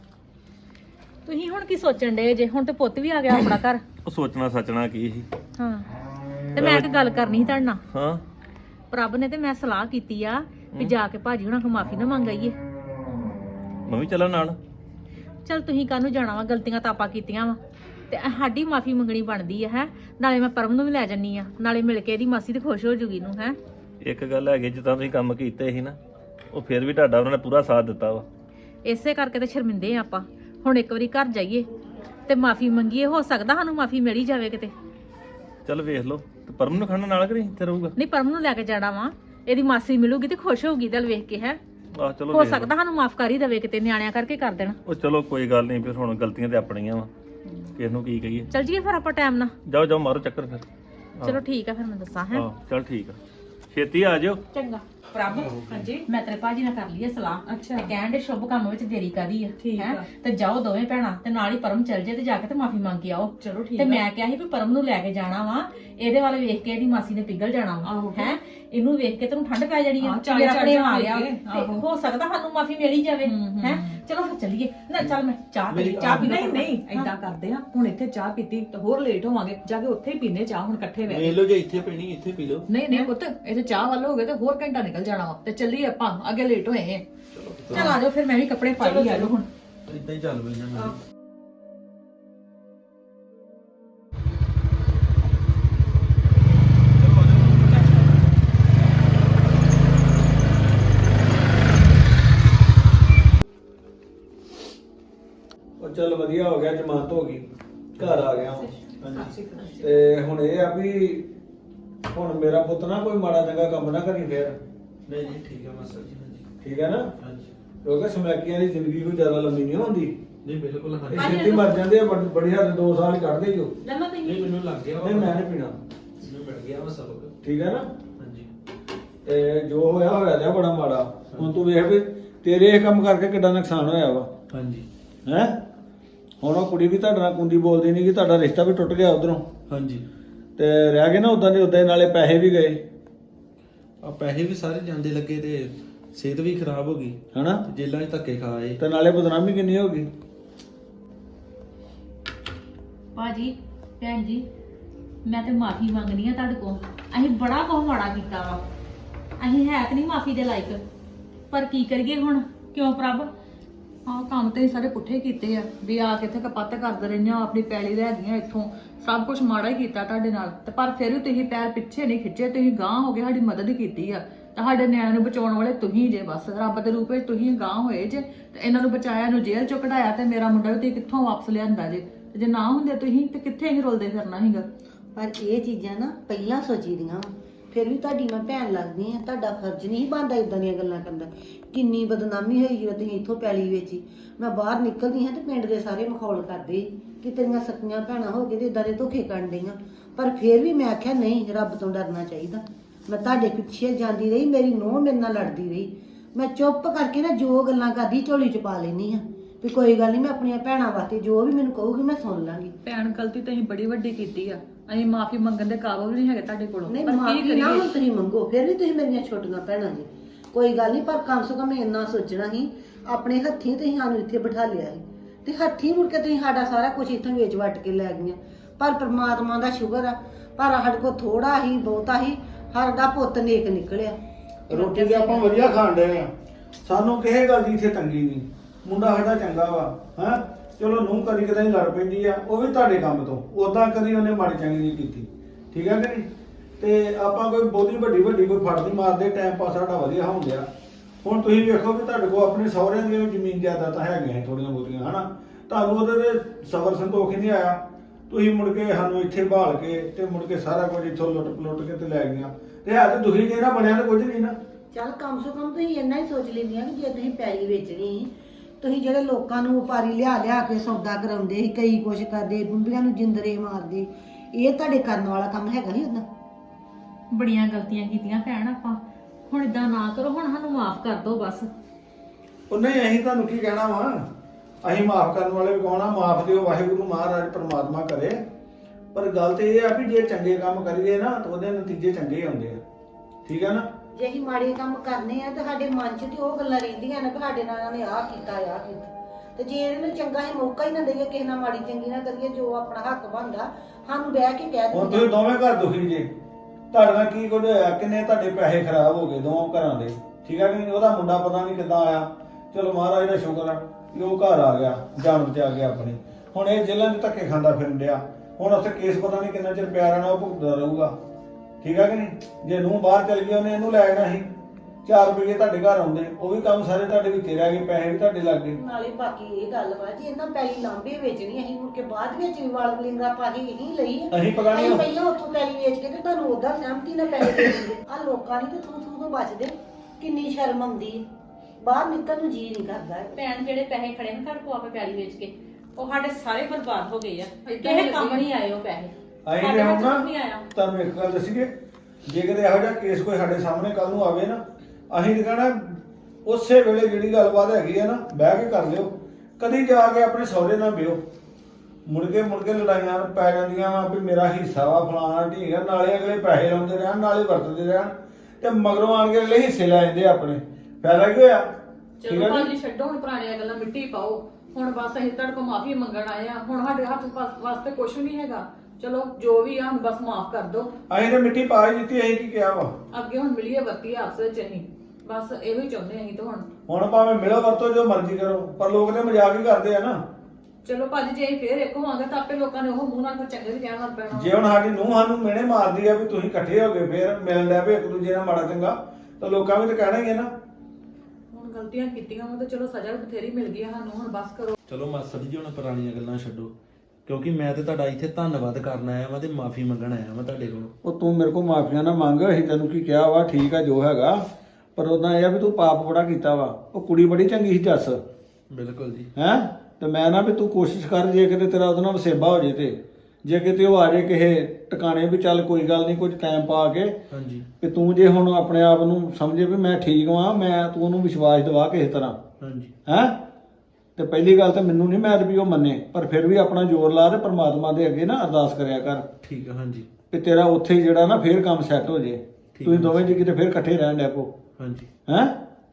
S2: ਤੁਸੀਂ ਹੁਣ ਕੀ ਸੋਚਣ ਡਏ ਜੇ? ਹੁਣ ਤੇ ਪੁੱਤ ਵੀ ਆ ਗਿਆ ਆਪਣਾ ਘਰ।
S1: ਉਹ ਸੋਚਣਾ ਸੱਚਣਾ ਕੀ ਸੀ।
S2: ਹਾਂ, ਤੇ ਮੈਂ ਇੱਕ ਗੱਲ ਕਰਨੀ ਸੀ ਤੁਹਾਡੇ ਨਾਲ।
S1: ਹਾਂ,
S2: ਪ੍ਰਭ ਨੇ ਤੇ ਮੈਂ ਸਲਾਹ ਕੀਤੀ ਆ ਵੀ ਜਾ ਕੇ ਭਾਜੀ ਹੁਣਾਂ ਕੋ ਮਾਫੀ ਨਾ ਮੰਗ ਆਈਏ।
S1: ਮੈਂ ਵੀ ਚੱਲਾਂ ਨਾਲ।
S2: ਚਲ ਤੁਸੀਂ ਕਾਹਨੂੰ ਜਾਣਾ ਵਾ, ਗਲਤੀਆਂ ਤਾਂ ਆਪਾਂ ਕੀਤੀਆਂ ਵਾ, ਤੇ ਸਾਡੀ ਮਾਫੀ ਮੰਗਣੀ ਬਣਦੀ ਆ ਹੈ। ਨਾਲੇ ਮੈਂ ਪਰਮ ਨੂੰ ਵੀ ਲੈ ਜੰਨੀ ਆ, ਨਾਲੇ ਮਿਲ ਕੇ ਇਹਦੀ ਮਾਸੀ ਤੇ ਖੁਸ਼ ਹੋ ਜੂਗੀ ਨੂੰ ਹੈ।
S1: ਇੱਕ ਗੱਲ ਹੈਗੀ, ਜਿੱਦਾਂ ਤੁਸੀਂ ਕੰਮ ਕੀਤੇ ਸੀ ਨਾ, ਉਹ ਫਿਰ ਵੀ ਤੁਹਾਡਾ ਉਹਨਾਂ ਨੇ ਪੂਰਾ ਸਾਥ ਦਿੱਤਾ ਵਾ।
S2: ਇਸੇ ਕਰਕੇ ਤੇ ਸ਼ਰਮਿੰਦੇ ਆ ਆਪਾਂ। ਹੁਣ ਇੱਕ ਵਾਰੀ ਘਰ ਜਾਈਏ ਤੇ ਮਾਫੀ ਮੰਗੀਏ, ਹੋ ਸਕਦਾ ਸਾਨੂੰ ਮਾਫੀ ਮਿਲ ਹੀ ਜਾਵੇ ਕਿਤੇ।
S1: ਚੱਲ ਵੇਖ ਲਓ, ਤੇ ਪਰਮ ਨੂੰ ਖੜਨ ਨਾਲ ਕਰੀ ਇੱਥੇ ਰਹੂਗਾ।
S2: ਨਹੀਂ, ਪਰਮ ਨੂੰ ਲੈ ਕੇ ਜਾਣਾ ਵਾ, ਇਹਦੀ ਮਾਸੀ ਮਿਲੂਗੀ ਤੇ ਖੁਸ਼ ਹੋਊਗੀ ਦਿਲ ਵੇਖ ਕੇ ਹੈ।
S1: ਆਹ ਚਲੋ
S2: ਹੋ
S1: ਵੇਖ ਲਓ।
S2: ਸਕਦਾ ਸਾਨੂੰ ਮਾਫ ਕਰ ਹੀ ਦੇਵੇ ਕਿਤੇ, ਨਿਆਣਿਆਂ ਕਰਕੇ ਕਰ ਦੇਣਾ।
S1: ਉਹ ਚਲੋ ਕੋਈ ਗੱਲ ਨਹੀਂ, ਫਿਰ ਹੁਣ ਗਲਤੀਆਂ ਤੇ ਆਪਣੀਆਂ ਵਾ, ਕਿਸ ਨੂੰ ਕੀ ਕਹੀਏ।
S2: ਚਲ ਜੀਏ ਫਿਰ ਆਪਾਂ ਟਾਈਮ ਨਾਲ।
S1: ਜਾਓ ਜਾਓ, ਮਾਰੋ ਚੱਕਰ ਫਿਰ।
S2: ਚਲੋ ਠੀਕ ਆ, ਫਿਰ ਮੈਂ ਦੱਸਾਂ ਹੈ।
S1: ਹਾਂ ਚਲ ਠੀਕ ਆ, ਛੇਤੀ ਆ ਜਾਓ।
S2: ਚੰਗਾ ਪ੍ਰਭ,
S4: ਹਾਂਜੀ
S2: ਮੈਂ ਤੇਰੇ ਭਾਜੀ ਨਾਲ ਕਰ ਲਈਏ ਸਲਾਹ।
S4: ਅੱਛਾ।
S2: ਤੇ ਕਹਿਣ ਦੇ ਸ਼ੁਭ ਕੰਮ ਵਿੱਚ ਦੇਰੀ ਕਾਦੀ ਆ
S4: ਠੀਕ
S2: ਹੈਂ?
S4: ਆ।
S2: ਤੇ ਜਾਓ ਦੋਵੇਂ ਭੈਣਾਂ, ਤੇ ਨਾਲ ਹੀ ਪਰਮ ਚੱਲ ਜੇ ਤੇ ਜਾ ਕੇ ਤੇ ਮਾਫੀ ਮੰਗ ਕੇ ਆਓ।
S4: ਚਲੋ ਠੀਕ
S2: ਤੇ
S4: ਆ।
S2: ਮੈਂ ਕਿਹਾ ਸੀ ਵੀ ਪਰਮ ਨੂੰ ਲੈ ਕੇ ਜਾਣਾ ਵਾ, ਇਹਦੇ ਵੱਲ ਵੇਖ ਕੇ ਇਹਦੀ ਮਾਸੀ ਨੇ ਪਿਘਲ ਜਾਣਾ
S4: ਆਹੋ।
S2: ਵਾ ਹੈ। ਇਹਨੂੰ ਵੇਖ ਕੇ ਤੈਨੂੰ ਠੰਡ ਪੈ ਜਾਣੀ ਆ,
S4: ਹਾਂ, ਚਾਅ
S2: ਮੇਰਾ
S4: ਚੜ੍ਹ
S2: ਆਪਣੇ
S4: ਜਾਣਾ
S2: ਆ ਗਿਆ
S4: ਵੇਖ ਕੇ,
S2: ਤੇ
S4: ਆਹੋ।
S2: ਹੋ ਸਕਦਾ ਸਾਨੂੰ ਮਾਫੀ ਮਿਲ ਹੀ ਜਾਵੇ
S4: ਹੂੰ, ਹੂੰ,
S2: ਹੈ।
S4: ਹੂੰ।
S2: ਚਲੋ ਫਿਰ ਚੱਲੀਏ ਨਾ, ਚੱਲ ਮੈਂ ਚਾਹ ਪੀ
S3: ਮੇਰੀ-
S2: ਚਾਹ ਪੀ
S4: ਨਹੀਂ ਨਹੀਂ ਏਦਾਂ ਕਰਦੇ ਆ, ਹੁਣ ਇੱਥੇ ਚਾਹ ਪੀਤੀ ਤੇ ਹੋਰ ਲੇਟ ਹੋਵਾਂਗੇ, ਜਾ ਕੇ ਉੱਥੇ ਹੀ ਪੀਨੇ ਚਾਹ ਹੁਣ ਇਕੱਠੇ ਬਹਿ ਕੇ।
S3: ਵੇਖ ਲਓ, ਜੇ ਇੱਥੇ ਪੀਣੀ ਇੱਥੇ ਪੀ ਲਓ।
S4: ਨਹੀਂ ਨਹੀਂ ਪੁੱਤ, ਇੱਥੇ ਚਾਹ ਵੱਲ ਹੋ ਗਏ ਤੇ ਹੋਰ ਘੰਟਾ ਨਿਕਲ ਜਾਣਾ ਵਾ, ਤੇ ਚੱਲੀਏ ਆਪਾਂ, ਅੱਗੇ ਲੇਟ ਹੋਏ ਆ।
S2: ਚੱਲ ਆ ਜਾਓ ਫਿਰ, ਮੈਂ ਵੀ ਕੱਪੜੇ ਪਾ ਲਈ ਆ ਜਾਓ ਹੁਣ।
S3: ਇਦਾਂ ਹੀ ਚੱਲ ਪੈਣਾ ਮੈਂ।
S5: ਉਹ ਚੱਲ ਵਧੀਆ ਹੋ ਗਿਆ, ਜਮਾਨਤ ਹੋ ਗਈ, ਘਰ ਆ ਗਿਆ ਹੁਣ। ਹਾਂਜੀ। ਤੇ ਹੁਣ ਇਹ ਆ ਵੀ ਹੁਣ ਮੇਰਾ ਪੁੱਤ ਨਾ ਕੋਈ ਮਾੜਾ ਚੰਗਾ ਕੰਮ ਨਾ ਕਰੀ ਫੇਰ,
S3: ਨਹੀਂ ਜੀ ਠੀਕ ਆ ਮਾਸਟਰ ਜੀ। ਹਾਂਜੀ
S5: ਠੀਕ ਹੈ ਨਾ?
S3: ਹਾਂਜੀ।
S5: ਕਿਉਂਕਿ ਸਮੈਕੀਆਂ ਦੀ ਜ਼ਿੰਦਗੀ ਕੋਈ ਜ਼ਿਆਦਾ ਲੰਮੀ ਨਹੀਂ ਹੁੰਦੀ,
S3: ਨਹੀਂ ਬਿਲਕੁਲ।
S5: ਇਹ
S3: ਹਾਂਜੀ।
S5: ਛੇਤੀ ਮਰ ਜਾਂਦੇ ਆ, ਬੜ- ਬੜੀ ਹੱਦ ਦੋ ਸਾਲ ਹੀ ਕੱਢਦੇ ਜੋ।
S2: ਲੰਮਾ ਪਈ
S3: ਨਹੀਂ ਮੈਨੂੰ ਲੱਗ ਗਿਆ ਵਾ।
S5: ਨਹੀਂ ਮੈਂ ਨਹੀਂ ਪੀਣਾ,
S3: ਮੈਨੂੰ ਮਿਲ ਗਿਆ ਵਾ ਸਬਕ।
S5: ਠੀਕ ਹੈ ਨਾ?
S3: ਹਾਂਜੀ।
S5: ਤੇ ਜੋ ਹੋਇਆ ਹੋਇਆ ਤੇ ਬੜਾ ਮਾੜਾ। ਹੁਣ ਤੂੰ ਵੇਖ ਵੀ ਤੇਰੇ ਇਹ ਕੰਮ ਕਰਕੇ ਕਿੰਨਾ ਨੁਕਸਾਨ ਹੋਇਆ ਵਾ
S3: ਹਾਂਜੀ।
S5: ਹੈ। ਹੁਣ ਉਹ ਕੁੜੀ ਵੀ ਤੁਹਾਡੇ ਨਾਲ ਕੁੰਦੀ ਬੋਲਦੀ ਨਹੀਂ, ਕਿ ਤੁਹਾਡਾ ਰਿਸ਼ਤਾ ਵੀ ਟੁੱਟ ਗਿਆ ਉਧਰੋਂ,
S3: ਹਾਂਜੀ।
S5: ਤੇ ਰਹਿ ਗਏ ਨਾ ਉਦਾਂ ਦੇ ਉਦਾਂ ਹੀ, ਨਾਲੇ ਪੈਸੇ ਵੀ ਗਏ
S3: ਆ ਪੈਸੇ ਵੀ ਸਾਰੇ ਜਾਂਦੇ ਲੱਗੇ ਤੇ ਸਿਹਤ ਵੀ ਖਰਾਬ ਹੋ ਗਈ,
S5: ਹਨਾ,
S3: ਤੇ ਜੇਲਾਂ 'ਚ ਧੱਕੇ ਖਾਏ।
S5: ਤੇ ਨਾਲੇ ਬਦਨਾਮੀ ਕਿੰਨੀ ਹੋ ਗਈ।
S2: ਭਾਜੀ ਭੈਣ ਜੀ, ਮੈਂ ਤੇ ਮਾਫੀ ਮੰਗਣੀ ਆ ਤੁਹਾਡੇ ਕੋਲ। ਅਸੀਂ ਬੜਾ ਕੁਝ ਮਾੜਾ ਕੀਤਾ ਵਾ, ਅਸੀਂ ਹੈ ਕਿ ਨਹੀਂ ਮਾਫੀ ਦੇ ਲਾਇਕ, ਪਰ ਕੀ ਕਰੀਏ ਹੁਣ? ਕਿਉਂ ਪ੍ਰਭ?
S4: ਹਾਂ, ਕੰਮ ਤੇ ਅਸੀਂ ਸਾਰੇ ਪੁੱਠੇ ਕੀਤੇ ਆ, ਵੀ ਆ ਕੇ ਇੱਥੇ ਕਪੱਤ ਕਰਦੇ ਰਹੀਆਂ, ਆਪਣੀ ਪੈਲੀ ਲੈ ਗਈਆਂ ਇੱਥੋਂ, ਸਭ ਕੁਝ ਮਾੜਾ ਹੀ ਕੀਤਾ ਤੁਹਾਡੇ ਨਾਲ, ਤੇ ਪਰ ਫਿਰ ਵੀ ਤੁਸੀਂ ਪੈਰ ਪਿੱਛੇ ਨਹੀਂ ਖਿੱਚੇ, ਤੁਸੀਂ ਗਾਂਹ ਹੋ ਗਏ, ਸਾਡੀ ਮਦਦ ਕੀਤੀ ਆ। ਤੁਹਾਡੇ ਨਿਆਣਿਆਂ ਨੂੰ ਬਚਾਉਣ ਵਾਲੇ ਤੁਸੀਂ ਜੇ, ਬਸ ਰੱਬ ਦੇ ਰੂਪ ਵਿੱਚ ਤੁਸੀਂ ਗਾਂਹ ਹੋਏ ਜੇ, ਤੇ ਇਹਨਾਂ ਨੂੰ ਬਚਾਇਆ, ਨੂੰ ਜੇਲ੍ਹ ਚੋਂ ਕਢਾਇਆ, ਤੇ ਮੇਰਾ ਮੁੰਡਾ ਵੀ ਤੁਸੀਂ ਕਿੱਥੋਂ ਵਾਪਸ ਲਿਆਂਦਾ ਜੇ। ਤੇ ਜੇ ਨਾ ਹੁੰਦੇ ਤੁਸੀਂ ਤੇ ਕਿੱਥੇ ਹੀ ਰੁਲਦੇ ਫਿਰਨਾ ਸੀਗਾ।
S6: ਪਰ ਇਹ ਚੀਜ਼ਾਂ ਨਾ ਪਹਿਲਾਂ ਸੋਚੀਦੀਆਂ ਵਾ, ਫਿਰ ਵੀ ਤੁਹਾਡੀ ਮੈਂ ਭੈਣ ਲੱਗਦੀ ਆ, ਤੁਹਾਡਾ ਫਰਜ਼ ਨਹੀਂ ਬਣਦਾ ਇਦਾਂ ਦੀਆਂ ਗੱਲਾਂ ਕਰਨ ਦਾ। ਕਿੰਨੀ ਬਦਨਾਮੀ ਹੋਈ ਜਦੋਂ ਤੁਸੀਂ ਇੱਥੋਂ ਪੈਲੀ ਵੇਚੀ। ਮੈਂ ਬਾਹਰ ਨਿਕਲਦੀ ਹਾਂ ਤੇ ਪਿੰਡ ਦੇ ਸਾਰੇ ਮਖੌਲ ਕਰਦੇ ਕਿ ਤੇਰੀਆਂ ਸਕੀਆਂ ਭੈਣਾਂ ਹੋ ਕੇ ਤੇ ਇਦਾਂ ਦੇ ਧੋਖੇ ਕਰਨ ਡਈਆਂ, ਪਰ ਫਿਰ ਵੀ ਮੈਂ ਆਖਿਆ ਨਹੀਂ, ਰੱਬ ਤੋਂ ਡਰਨਾ ਚਾਹੀਦਾ। ਮੈਂ ਤੁਹਾਡੇ ਪਿੱਛੇ ਜਾਂਦੀ ਰਹੀ, ਮੇਰੀ ਨੂੰਹ ਮੇਰੇ ਨਾਲ ਲੜਦੀ ਰਹੀ, ਮੈਂ ਚੁੱਪ ਕਰਕੇ ਨਾ ਜੋ ਗੱਲਾਂ ਕਰਦੀ ਝੋਲੀ ਚ ਪਾ ਲੈਣੀ ਆ ਵੀ ਕੋਈ ਗੱਲ ਨਹੀਂ, ਮੈਂ ਆਪਣੀਆਂ ਭੈਣਾਂ ਵਾਸਤੇ ਜੋ ਵੀ ਮੈਨੂੰ ਕਹੂਗੀ ਮੈਂ ਸੁਣ ਲਾਂਗੀ।
S4: ਭੈਣ, ਗਲਤੀ ਤਾਂ ਅਸੀਂ ਬੜੀ ਵੱਡੀ ਕੀਤੀ ਆ, ਅਸੀਂ ਮਾਫੀ ਮੰਗਣ ਦੇ ਕਾਬਿਲ ਨਹੀਂ ਹੈਗੇ ਤੁਹਾਡੇ ਕੋਲੋਂ,
S6: ਨਹੀਂ
S4: ਪਰ ਕੀ
S6: ਮਾਫੀ ਨਾ
S4: ਕਰੀਏ?
S6: ਹੁਣ ਤੁਸੀਂ ਮੰਗੋ, ਫਿਰ ਵੀ ਤੁਸੀਂ ਮੇਰੀਆਂ ਛੋਟੀਆਂ ਭੈਣਾਂ ਜੀ, ਕੋਈ ਗੱਲ ਨਹੀਂ, ਪਰ ਕਮ ਸੇ ਕਮ ਇੰਨਾ ਸੋਚਣਾ ਸੀ, ਆਪਣੇ ਹੱਥੀਂ ਤੁਸੀਂ ਸਾਨੂੰ ਇੱਥੇ ਬਿਠਾ ਲਿਆ ਸੀ, ਤੇ ਹੱਥੀਂ ਮੁੜ ਕੇ ਤੁਸੀਂ ਸਾਡਾ ਸਾਰਾ ਕੁਝ ਇੱਥੋਂ ਵੇਚ ਵੱਟ ਕੇ ਲੈ ਗਈਆਂ। ਪਰ ਪ੍ਰਮਾਤਮਾ ਦਾ ਸ਼ੁਕਰ ਆ, ਪਰ ਸਾਡੇ ਕੋਲ ਥੋੜਾ ਹੀ ਬਹੁਤਾ ਹੀ ਸਾਡਾ ਪੁੱਤ ਨੇਕ ਨਿਕਲਿਆ।
S5: ਰੋਟੀ ਤੇ ਆਪਾਂ ਵਧੀਆ ਖਾਣ ਡਏ ਆ, ਸਾਨੂੰ ਕਿਸੇ ਗੱਲ ਦੀ ਇੱਥੇ ਤੰਗੀ ਨਹੀਂ। ਮੁੰਡਾ ਸਾਡਾ ਚੰਗਾ ਵਾ ਹੈ ਚਲੋ ਨੂੰ ਕਦੀ ਕਦਾਈ ਲੜ ਪੈਂਦੀ ਆ ਉਹ ਵੀ ਤੁਹਾਡੇ ਕੰਮ ਤੋਂ ਉਦਾਂ ਕਦੀ ਉਹਨੇ ਮਾੜੀ ਚੰਗੀ ਨਹੀਂ ਕੀਤੀ ਠੀਕ ਹੈ ਕਿ ਨਹੀਂ ਤੇ ਆਪਾਂ ਕੋਈ ਬਹੁਤੀ ਵੱਡੀ ਵੱਡੀ ਕੋਈ ਫੜ ਨਹੀਂ ਮਾਰਦੇ ਟਾਈਮ ਪਾਸ ਸਾਡਾ ਵਧੀਆ ਹੁੰਦਿਆ ਹੁਣ ਤੁਸੀਂ ਵੇਖੋ ਵੀ ਤੁਹਾਡੇ ਕੋਲ ਆਪਣੇ ਸਹੁਰਿਆਂ ਦੀਆਂ ਜ਼ਮੀਨ ਜਾਇਦਾਦਾਂ ਹੈਗੀਆਂ ਥੋੜੀਆਂ ਬਹੁਤੀਆਂ ਹਨਾ ਤੁਹਾਨੂੰ ਉਹਦੇ ਤੇ ਸਬਰ ਸੰਤੋਖ ਹੀ ਨਹੀਂ ਆਇਆ ਤੁਸੀਂ ਮੁੜ ਕੇ ਸਾਨੂੰ ਇੱਥੇ ਭਾਲ ਕੇ ਤੇ ਮੁੜ ਕੇ ਸਾਰਾ ਕੁਝ ਇੱਥੋਂ ਲੁੱਟ ਪਲੁੱਟ ਕੇ ਤੇ ਲੈ ਗਈਆਂ ਤੇ ਹੈ ਤੇ ਦੁਖੀ ਜੇ ਨਾ ਬਣਿਆ ਤੇ ਕੁਝ ਨਹੀਂ ਨਾ
S6: ਚੱਲ ਕਮ ਸੇ ਕਮ ਤੁਸੀਂ ਇੰਨਾ ਹੀ ਸੋਚ ਲੈਂਦੀਆਂ ਕਿ ਜੇ ਤੁਸੀਂ ਪੈਲੀ ਵੇਚਣੀ ਤੁਸੀਂ ਜਿਹੜੇ ਲੋਕਾਂ ਨੂੰ ਵਪਾਰੀ ਲਿਆ ਲਿਆ ਕੇ ਸੌਦਾ ਕਰਾਉਂਦੇ ਸੀ ਕਈ ਕੁਛ ਕਰਦੇ ਬੁੰਬੀਆਂ ਨੂੰ ਜਿੰਦਰੇ ਮਾਰਦੇ ਇਹ ਤੁਹਾਡੇ ਕਰਨ ਵਾਲਾ ਕੰਮ ਹੈਗਾ ਹੀ ਉਹਦਾ
S2: ਬੜੀਆਂ ਗਲਤੀਆਂ ਕੀਤੀਆਂ ਭੈਣ ਆਪਾਂ ਹੁਣ ਇਦਾਂ ਨਾ ਕਰੋ ਹੁਣ ਸਾਨੂੰ ਮਾਫ ਕਰ ਦਿਓ ਬਸ
S5: ਉਹ ਨਹੀਂ ਅਸੀਂ ਤੁਹਾਨੂੰ ਕੀ ਕਹਿਣਾ ਵਾ ਅਸੀਂ ਮਾਫ ਕਰਨ ਵਾਲੇ ਵੀ ਕਹਣਾ ਮਾਫ ਦਿਓ ਵਾਹਿਗੁਰੂ ਮਹਾਰਾਜ ਪ੍ਰਮਾਤਮਾ ਕਰੇ ਪਰ ਗੱਲ ਤੇ ਇਹ ਆ ਵੀ ਜੇ ਚੰਗੇ ਕੰਮ ਕਰੀਏ ਨਾ ਤਾਂ ਉਹਦੇ ਨਤੀਜੇ ਚੰਗੇ ਆਉਂਦੇ ਆ ਠੀਕ ਆ ਨਾ
S6: ਜੇ ਅਸੀਂ ਮਾੜੇ ਕੰਮ ਕਰਨੇ ਆ ਤਾਂ ਸਾਡੇ ਮਨ 'ਚ ਤੇ ਉਹ ਗੱਲਾਂ ਰਹਿੰਦੀਆਂ ਨੇ ਕਿ ਸਾਡੇ ਨਾਲ ਇਹਨਾਂ ਨੇ ਆਹ ਕੀਤਾ ਆਹ ਕੀਤਾ ਤੇ ਜੇ ਇਹਨੂੰ ਚੰਗਾ ਹੀ ਮੌਕਾ ਹੀ ਨਾ ਦਈਏ ਕਿਸੇ ਨਾਲ ਮਾੜੀ ਚੰਗੀ ਨਾ ਕਰੀਏ ਜੋ ਆਪਣਾ ਹੱਕ ਬਣਦਾ ਸਾਨੂੰ ਬਹਿ ਕੇ ਕਹਿ
S5: ਹੁਣ
S6: ਦਿੰਦੇ
S5: ਤੁਸੀਂ ਦੋਵੇਂ ਘਰ ਦੁਖੀ ਜੇ ਤੁਹਾਡੇ ਨਾਲ ਕੀ ਕੁਝ ਹੋਇਆ ਕਿੰਨੇ ਤੁਹਾਡੇ ਪੈਸੇ ਖਰਾਬ ਹੋ ਗਏ ਦੋਵਾਂ ਘਰਾਂ ਦੇ ਠੀਕ ਆ ਕਿ ਨਹੀਂ ਉਹਦਾ ਮੁੰਡਾ ਪਤਾ ਨਹੀਂ ਕਿੱਦਾਂ ਆਇਆ ਚਲੋ ਮਹਾਰਾਜ ਦਾ ਸ਼ੁਕਰ ਆ ਕਿ ਉਹ ਘਰ ਆ ਗਿਆ ਜਾਨ ਬਚਾ ਗਿਆ ਆਪਣੀ ਹੁਣ ਇਹ ਜੇਲ੍ਹਾਂ 'ਚ ਧੱਕੇ ਖਾਂਦਾ ਫਿਰਨ ਡਿਆ ਹੁਣ ਉੱਥੇ ਕੇਸ ਪਤਾ ਨਹੀਂ ਕਿੰਨਾ ਚਿਰ ਪਿਆ ਰਹਿਣਾ ਉਹ ਭੁਗਤਦਾ ਰਹੂਗਾ ਠੀਕ ਆ ਕਿ ਨਹੀਂ ਜੇ ਨੂੰ ਬਾਹਰ ਚਲ ਗਿਆ ਉਹਨੇ ਇਹਨੂੰ ਲੈ ਜਾਣਾ ਸੀ ਚਾਰ ਰੁਪਏ ਤੁਹਾਡੇ ਘਰ ਆਉਂਦੇ ਉਹ ਵੀ ਕੰਮ ਸਾਰੇ ਤੁਹਾਡੇ ਵਿੱਚ ਰਹਿ ਗਏ ਪੈਸੇ ਵੀ ਤੁਹਾਡੇ ਲੱਗ ਗਏ
S6: ਨਾਲੇ ਬਾਕੀ ਇਹ ਗੱਲ ਵਾ ਜੇ ਇਹਨਾਂ ਪੈਲੀ ਲਾਂਬੇ ਵੇਚਣੀ ਅਸੀਂ ਮੁੜ ਕੇ ਬਾਅਦ ਵਿੱਚ ਵੀ ਵਾਲ ਬਲਿੰਗਾ ਪਾ ਕੇ ਇਹੀ ਲਈ ਆ।
S5: ਅਸੀਂ ਪਤਾ ਨਹੀਂ
S6: ਅਸੀਂ ਪਹਿਲਾਂ ਉੱਥੋਂ ਪੈਲੀ ਵੇਚ ਕੇ ਤੇ ਤੁਹਾਨੂੰ ਉਹਦਾ ਸਹਿਮਤੀ ਨਾਲ ਪੈਸੇ ਦੇ ਦਿੰਦੇ ਆ ਲੋਕਾਂ ਨੇ ਤੇ ਥੂ ਥੂ ਤੋਂ ਬਚਦੇ ਕਿੰਨੀ ਸ਼ਰਮ ਆਉਂਦੀ ਹੈ ਬਾਹਰ ਨਿਕਲਣ ਨੂੰ ਜੀ ਨਹੀਂ ਕਰਦਾ
S2: ਭੈਣ ਜਿਹੜੇ ਪੈਸੇ ਖੜੇ ਨੇ ਤੁਹਾਡੇ ਕੋਲ ਆਪੇ ਪਿਆਲੀ ਵੇਚ ਕੇ ਉਹ ਸਾਡੇ ਸਾਰੇ ਬਰਬਾਦ ਹੋ ਗਏ ਆ ਕਿਸੇ ਕੰਮ ਨਹੀਂ ਆਏ ਉਹ ਪੈਸੇ
S5: ਅਸੀਂ
S2: ਸਾਡੇ
S5: ਤੇ
S2: ਵਿੱਚ
S5: ਹੁਣ
S2: ਨਹੀਂ ਆਇਆ
S5: ਨਾ ਤੁਹਾਨੂੰ ਇੱਕ ਗੱਲ ਦੱਸੀਏ ਜੇ ਕਿਤੇ ਇਹੋ ਜਿਹਾ ਕੇਸ ਕੋਈ ਸਾਡੇ ਸਾਹਮਣੇ ਕੱਲ ਨੂੰ ਆਵੇ ਨਾ ਅਸੀਂ ਤਾਂ ਕਹਿਣਾ ਉਸੇ ਵੇਲੇ ਜਿਹੜੀ ਗੱਲਬਾਤ ਹੈਗੀ ਆ ਨਾ ਬਹਿ ਕੇ ਕਰ ਲਿਓ ਕਦੀ ਜਾ ਕੇ ਆਪਣੇ ਸਹੁਰੇ ਨਾਲ ਬਿਓ ਮੁੜ ਕੇ ਮੁੜ ਕੇ ਲੜਾਈਆਂ ਪੈ ਜਾਂਦੀਆਂ ਵਾ ਵੀ ਮੇਰਾ ਹਿੱਸਾ ਵਾ ਫਲਾਣਾ ਢੀਂਗਾ ਨਾਲੇ ਅਗਲੇ ਪੈਸੇ ਲਾਉਂਦੇ ਰਹਿਣ ਨਾਲੇ ਵਰਤਦੇ ਰਹਿਣ ਤੇ ਮਗਰੋਂ ਆਣ ਕੇ ਅਗਲੇ ਹਿੱਸੇ ਲੈ ਜਾਂਦੇ ਆਪਣੇ ਫਾਇਦਾ ਕੀ ਹੋਇਆ ਠੀਕ
S4: ਚਲੋ
S5: ਹੈ ਜੀ?
S4: ਭਾਜੀ ਛੱਡੋ ਹੁਣ ਪੁਰਾਣੀਆਂ ਗੱਲਾਂ ਮਿੱਟੀ ਪਾਓ ਹੁਣ ਬਸ ਅਸੀਂ ਤੁਹਾਡੇ ਕੋਲ ਮਾਫੀ ਮੰਗਣ ਆਏ ਆ ਹੁਣ ਸਾਡੇ ਹੱਥ ਪਾਸ- ਵਾਸਤੇ ਕੁਝ ਨਹੀਂ ਹੈਗਾ ਚਲੋ ਜੋ ਵੀ ਆ ਹੁਣ ਬਸ ਮਾਫ ਕਰ ਦਿਓ
S5: ਅਸੀਂ ਤਾਂ ਮਿੱਟੀ ਪਾ ਹੀ ਦਿੱਤੀ ਅਸੀਂ ਕੀ ਕਿਹਾ ਵਾ
S4: ਅੱਗੇ ਹੁਣ ਮਿਲੀਏ ਵਰਤੀਏ ਆਪਸ ਵਿੱਚ ਅਸੀਂ ਬਸ ਇਹੋ ਹੀ ਚਾਹੁੰਦੇ ਅਸੀਂ ਤਾਂ ਹੁਣ
S5: ਹੁਣ ਭਾਵੇਂ ਮਿਲੋ ਵਰਤੋ ਜੋ ਮਰਜ਼ੀ ਕਰੋ ਪਰ ਲੋਕ ਤੇ ਮਜ਼ਾਕ ਹੀ ਕਰਦੇ ਆ ਨਾ
S4: ਚਲੋ ਭਾਜੀ ਜੇ ਅਸੀਂ ਫੇਰ ਇੱਕ ਹੋਵਾਂਗੇ ਤਾਂ ਆਪੇ ਲੋਕਾਂ ਨੇ ਉਹ ਮੂੰਹ ਨਾਲ ਫਿਰ ਚੰਗੇ ਵੀ ਕਹਿਣ ਲੱਗ ਪੈਣਾ
S5: ਜੇ ਹੁਣ ਸਾਡੀ ਨੂੰਹ ਸਾਨੂੰ ਮਿਹਣੇ ਮਾਰਦੀ ਆ ਵੀ ਤੁਸੀਂ ਇਕੱਠੇ ਹੋ ਗਏ ਫੇਰ ਮਿਲਣ ਲੱਗ ਪਏ ਇੱਕ ਦੂਜੇ ਨਾਲ ਮਾੜਾ ਚੰਗਾ ਤਾਂ ਲੋਕਾਂ ਵੀ ਤਾਂ ਕਹਿਣਾ ਹੀ ਹੈ ਨਾ
S4: ਹੁਣ ਗਲਤੀਆਂ ਕੀਤੀਆਂ ਵਾ ਤਾਂ ਚਲੋ ਸਜ਼ਾ ਵੀ ਬਥੇਰੀ ਮਿਲ ਗਈ ਆ ਸਾਨੂੰ ਹੁਣ ਬਸ ਕਰੋ
S3: ਚਲੋ ਮਾਸਟਰ ਜੀ ਹੁਣ ਪੁਰਾਣੀਆਂ ਗੱਲਾਂ ਛੱਡੋ ਕਿਉਂਕਿ ਮੈਂ ਤੇ ਤੁਹਾਡਾ ਇੱਥੇ ਧੰਨਵਾਦ ਕਰਨ ਆਇਆ ਵਾਂ ਤੇ ਮਾਫੀ ਮੰਗਣ ਆਇਆ ਵਾਂ ਤੁਹਾਡੇ ਕੋਲੋਂ
S5: ਉਹ ਤੂੰ ਮੇਰੇ ਕੋਲ ਮਾਫੀਆਂ ਨਾ ਮੰਗ ਅਸੀਂ ਤੈਨੂੰ ਕੀ ਕਿਹਾ ਵਾ ਠੀਕ ਆ ਜੋ ਹੈਗਾ ਪਰ ਉਦਾਂ ਇਹ ਆ ਵੀ ਤੂੰ ਪਾਪ ਬੜਾ ਕੀਤਾ ਵਾ ਉਹ ਕੁੜੀ ਬੜੀ ਚੰਗੀ ਸੀ ਜੱਸ
S3: ਬਿਲਕੁਲ ਜੀ
S5: ਹੈਂ ਤੇ ਮੈਂ ਨਾ ਵੀ ਤੂੰ ਕੋਸ਼ਿਸ਼ ਕਰ ਜੇ ਕਿਤੇ ਤੇਰਾ ਉਹਦੇ ਨਾਲ ਵਸੇਬਾ ਹੋ ਜੇ ਤੇ ਜੇ ਕਿਤੇ ਉਹ ਆ ਜੇ ਕਿਸੇ ਟਿਕਾਣੇ ਵੀ ਚੱਲ ਕੋਈ ਗੱਲ ਨਹੀਂ ਕੁਝ ਟਾਈਮ ਪਾ ਕੇ
S3: ਹਾਂਜੀ
S5: ਕਿ ਤੂੰ ਜੇ ਹੁਣ ਆਪਣੇ ਆਪ ਨੂੰ ਸਮਝੇ ਵੀ ਮੈਂ ਠੀਕ ਵਾਂ ਮੈਂ ਤੂੰ ਉਹਨੂੰ ਵਿਸ਼ਵਾਸ ਦਿਵਾ ਕਿਸੇ ਤਰ੍ਹਾਂ
S3: ਹਾਂਜੀ
S5: ਹੈਂ ਤੇ ਪਹਿਲੀ ਗੱਲ ਤਾਂ ਮੈਨੂੰ ਨਹੀਂ ਮੈਂ ਵੀ ਉਹ ਮੰਨੇ ਪਰ ਫਿਰ ਵੀ ਆਪਣਾ ਜ਼ੋਰ ਲਾ ਤੇ ਪ੍ਰਮਾਤਮਾ ਦੇ ਅੱਗੇ ਨਾ ਅਰਦਾਸ ਕਰਿਆ ਕਰ
S3: ਠੀਕ ਆ ਹਾਂਜੀ
S5: ਕਿ ਤੇਰਾ ਉੱਥੇ ਹੀ ਜਿਹੜਾ ਨਾ ਫੇਰ ਕੰਮ ਸੈੱਟ ਹੋ ਜੇ
S3: ਠੀਕ
S5: ਤੁਸੀਂ
S3: ਹੈ।
S5: ਦੋਵੇਂ ਜੀ ਕਿਤੇ ਫੇਰ ਇਕੱਠੇ ਰਹਿਣ ਡੈ ਪੋ
S3: ਹਾਂਜੀ
S5: ਹੈਂ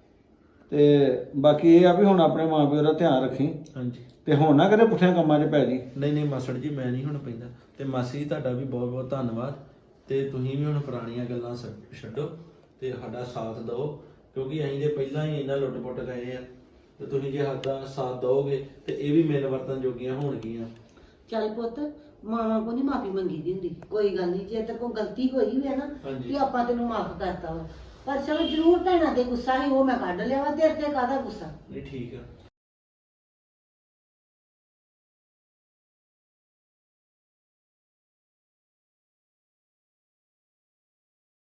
S5: ਤੇ ਬਾਕੀ ਇਹ ਆ ਵੀ ਹੁਣ ਆਪਣੇ ਮਾਂ ਪਿਓ ਦਾ ਧਿਆਨ ਰੱਖੀ
S3: ਹਾਂਜੀ
S5: ਤੇ ਹੁਣ ਨਾ ਕਦੇ ਪੁੱਠਿਆਂ ਕੰਮਾਂ 'ਚ ਪੈ ਜੀ
S3: ਨਹੀਂ ਨਹੀਂ ਮਾਸਟਰ ਜੀ ਮੈਂ ਨਹੀਂ ਹੁਣ ਪੈਂਦਾ ਤੇ ਮਾਸੀ ਜੀ ਤੁਹਾਡਾ ਵੀ ਬਹੁਤ ਬਹੁਤ ਧੰਨਵਾਦ ਤੇ ਤੁਸੀਂ ਵੀ ਹੁਣ ਪੁਰਾਣੀਆਂ ਗੱਲਾਂ ਛੱਡ- ਛੱਡੋ ਤੇ ਸਾਡਾ ਸਾਥ ਦਿਓ ਕਿਉਂਕਿ ਅਸੀਂ ਦੇ ਪਹਿਲਾਂ ਹੀ ਇਹਨਾਂ ਲੁੱਟ-ਪੁੱਟ ਗਏ ਆ ਤੇ ਤੁਸੀਂ ਜੇ ਸਾਡਾ ਸਾਥ ਦਿਓਗੇ ਤੇ ਇਹ ਵੀ ਮਿਲ ਵਰਤਨ ਜੋਗੀਆਂ ਹੋਣਗੀਆਂ
S6: ਚੱਲ ਪੁੱਤ ਮਾਂ ਕੋ ਨਹੀਂ ਮਾਫੀ ਮੰਗੀ ਦੀ ਹੁੰਦੀ ਕੋਈ ਗੱਲ ਨਹੀਂ ਜੇ ਤੇਰੇ ਕੋਲ ਗਲਤੀ ਹੋਈ ਵੀ ਹੈ ਨਾ
S3: ਹਾਂਜੀ।
S6: ਕਿ ਆਪਾਂ ਤੈਨੂੰ ਮਾਫ ਕਰਤਾ ਵਾ ਪਰ ਚਲੋ ਜ਼ਰੂਰ ਭੈਣਾਂ ਤੇ ਗੁੱਸਾ ਸੀ ਉਹ ਮੈਂ ਕੱਢ ਲਿਆ ਵਾ ਤੇਰੇ ਤੇ ਕਾਹਦਾ ਗੁੱਸਾ
S3: ਨਹੀਂ ਠੀਕ ਆ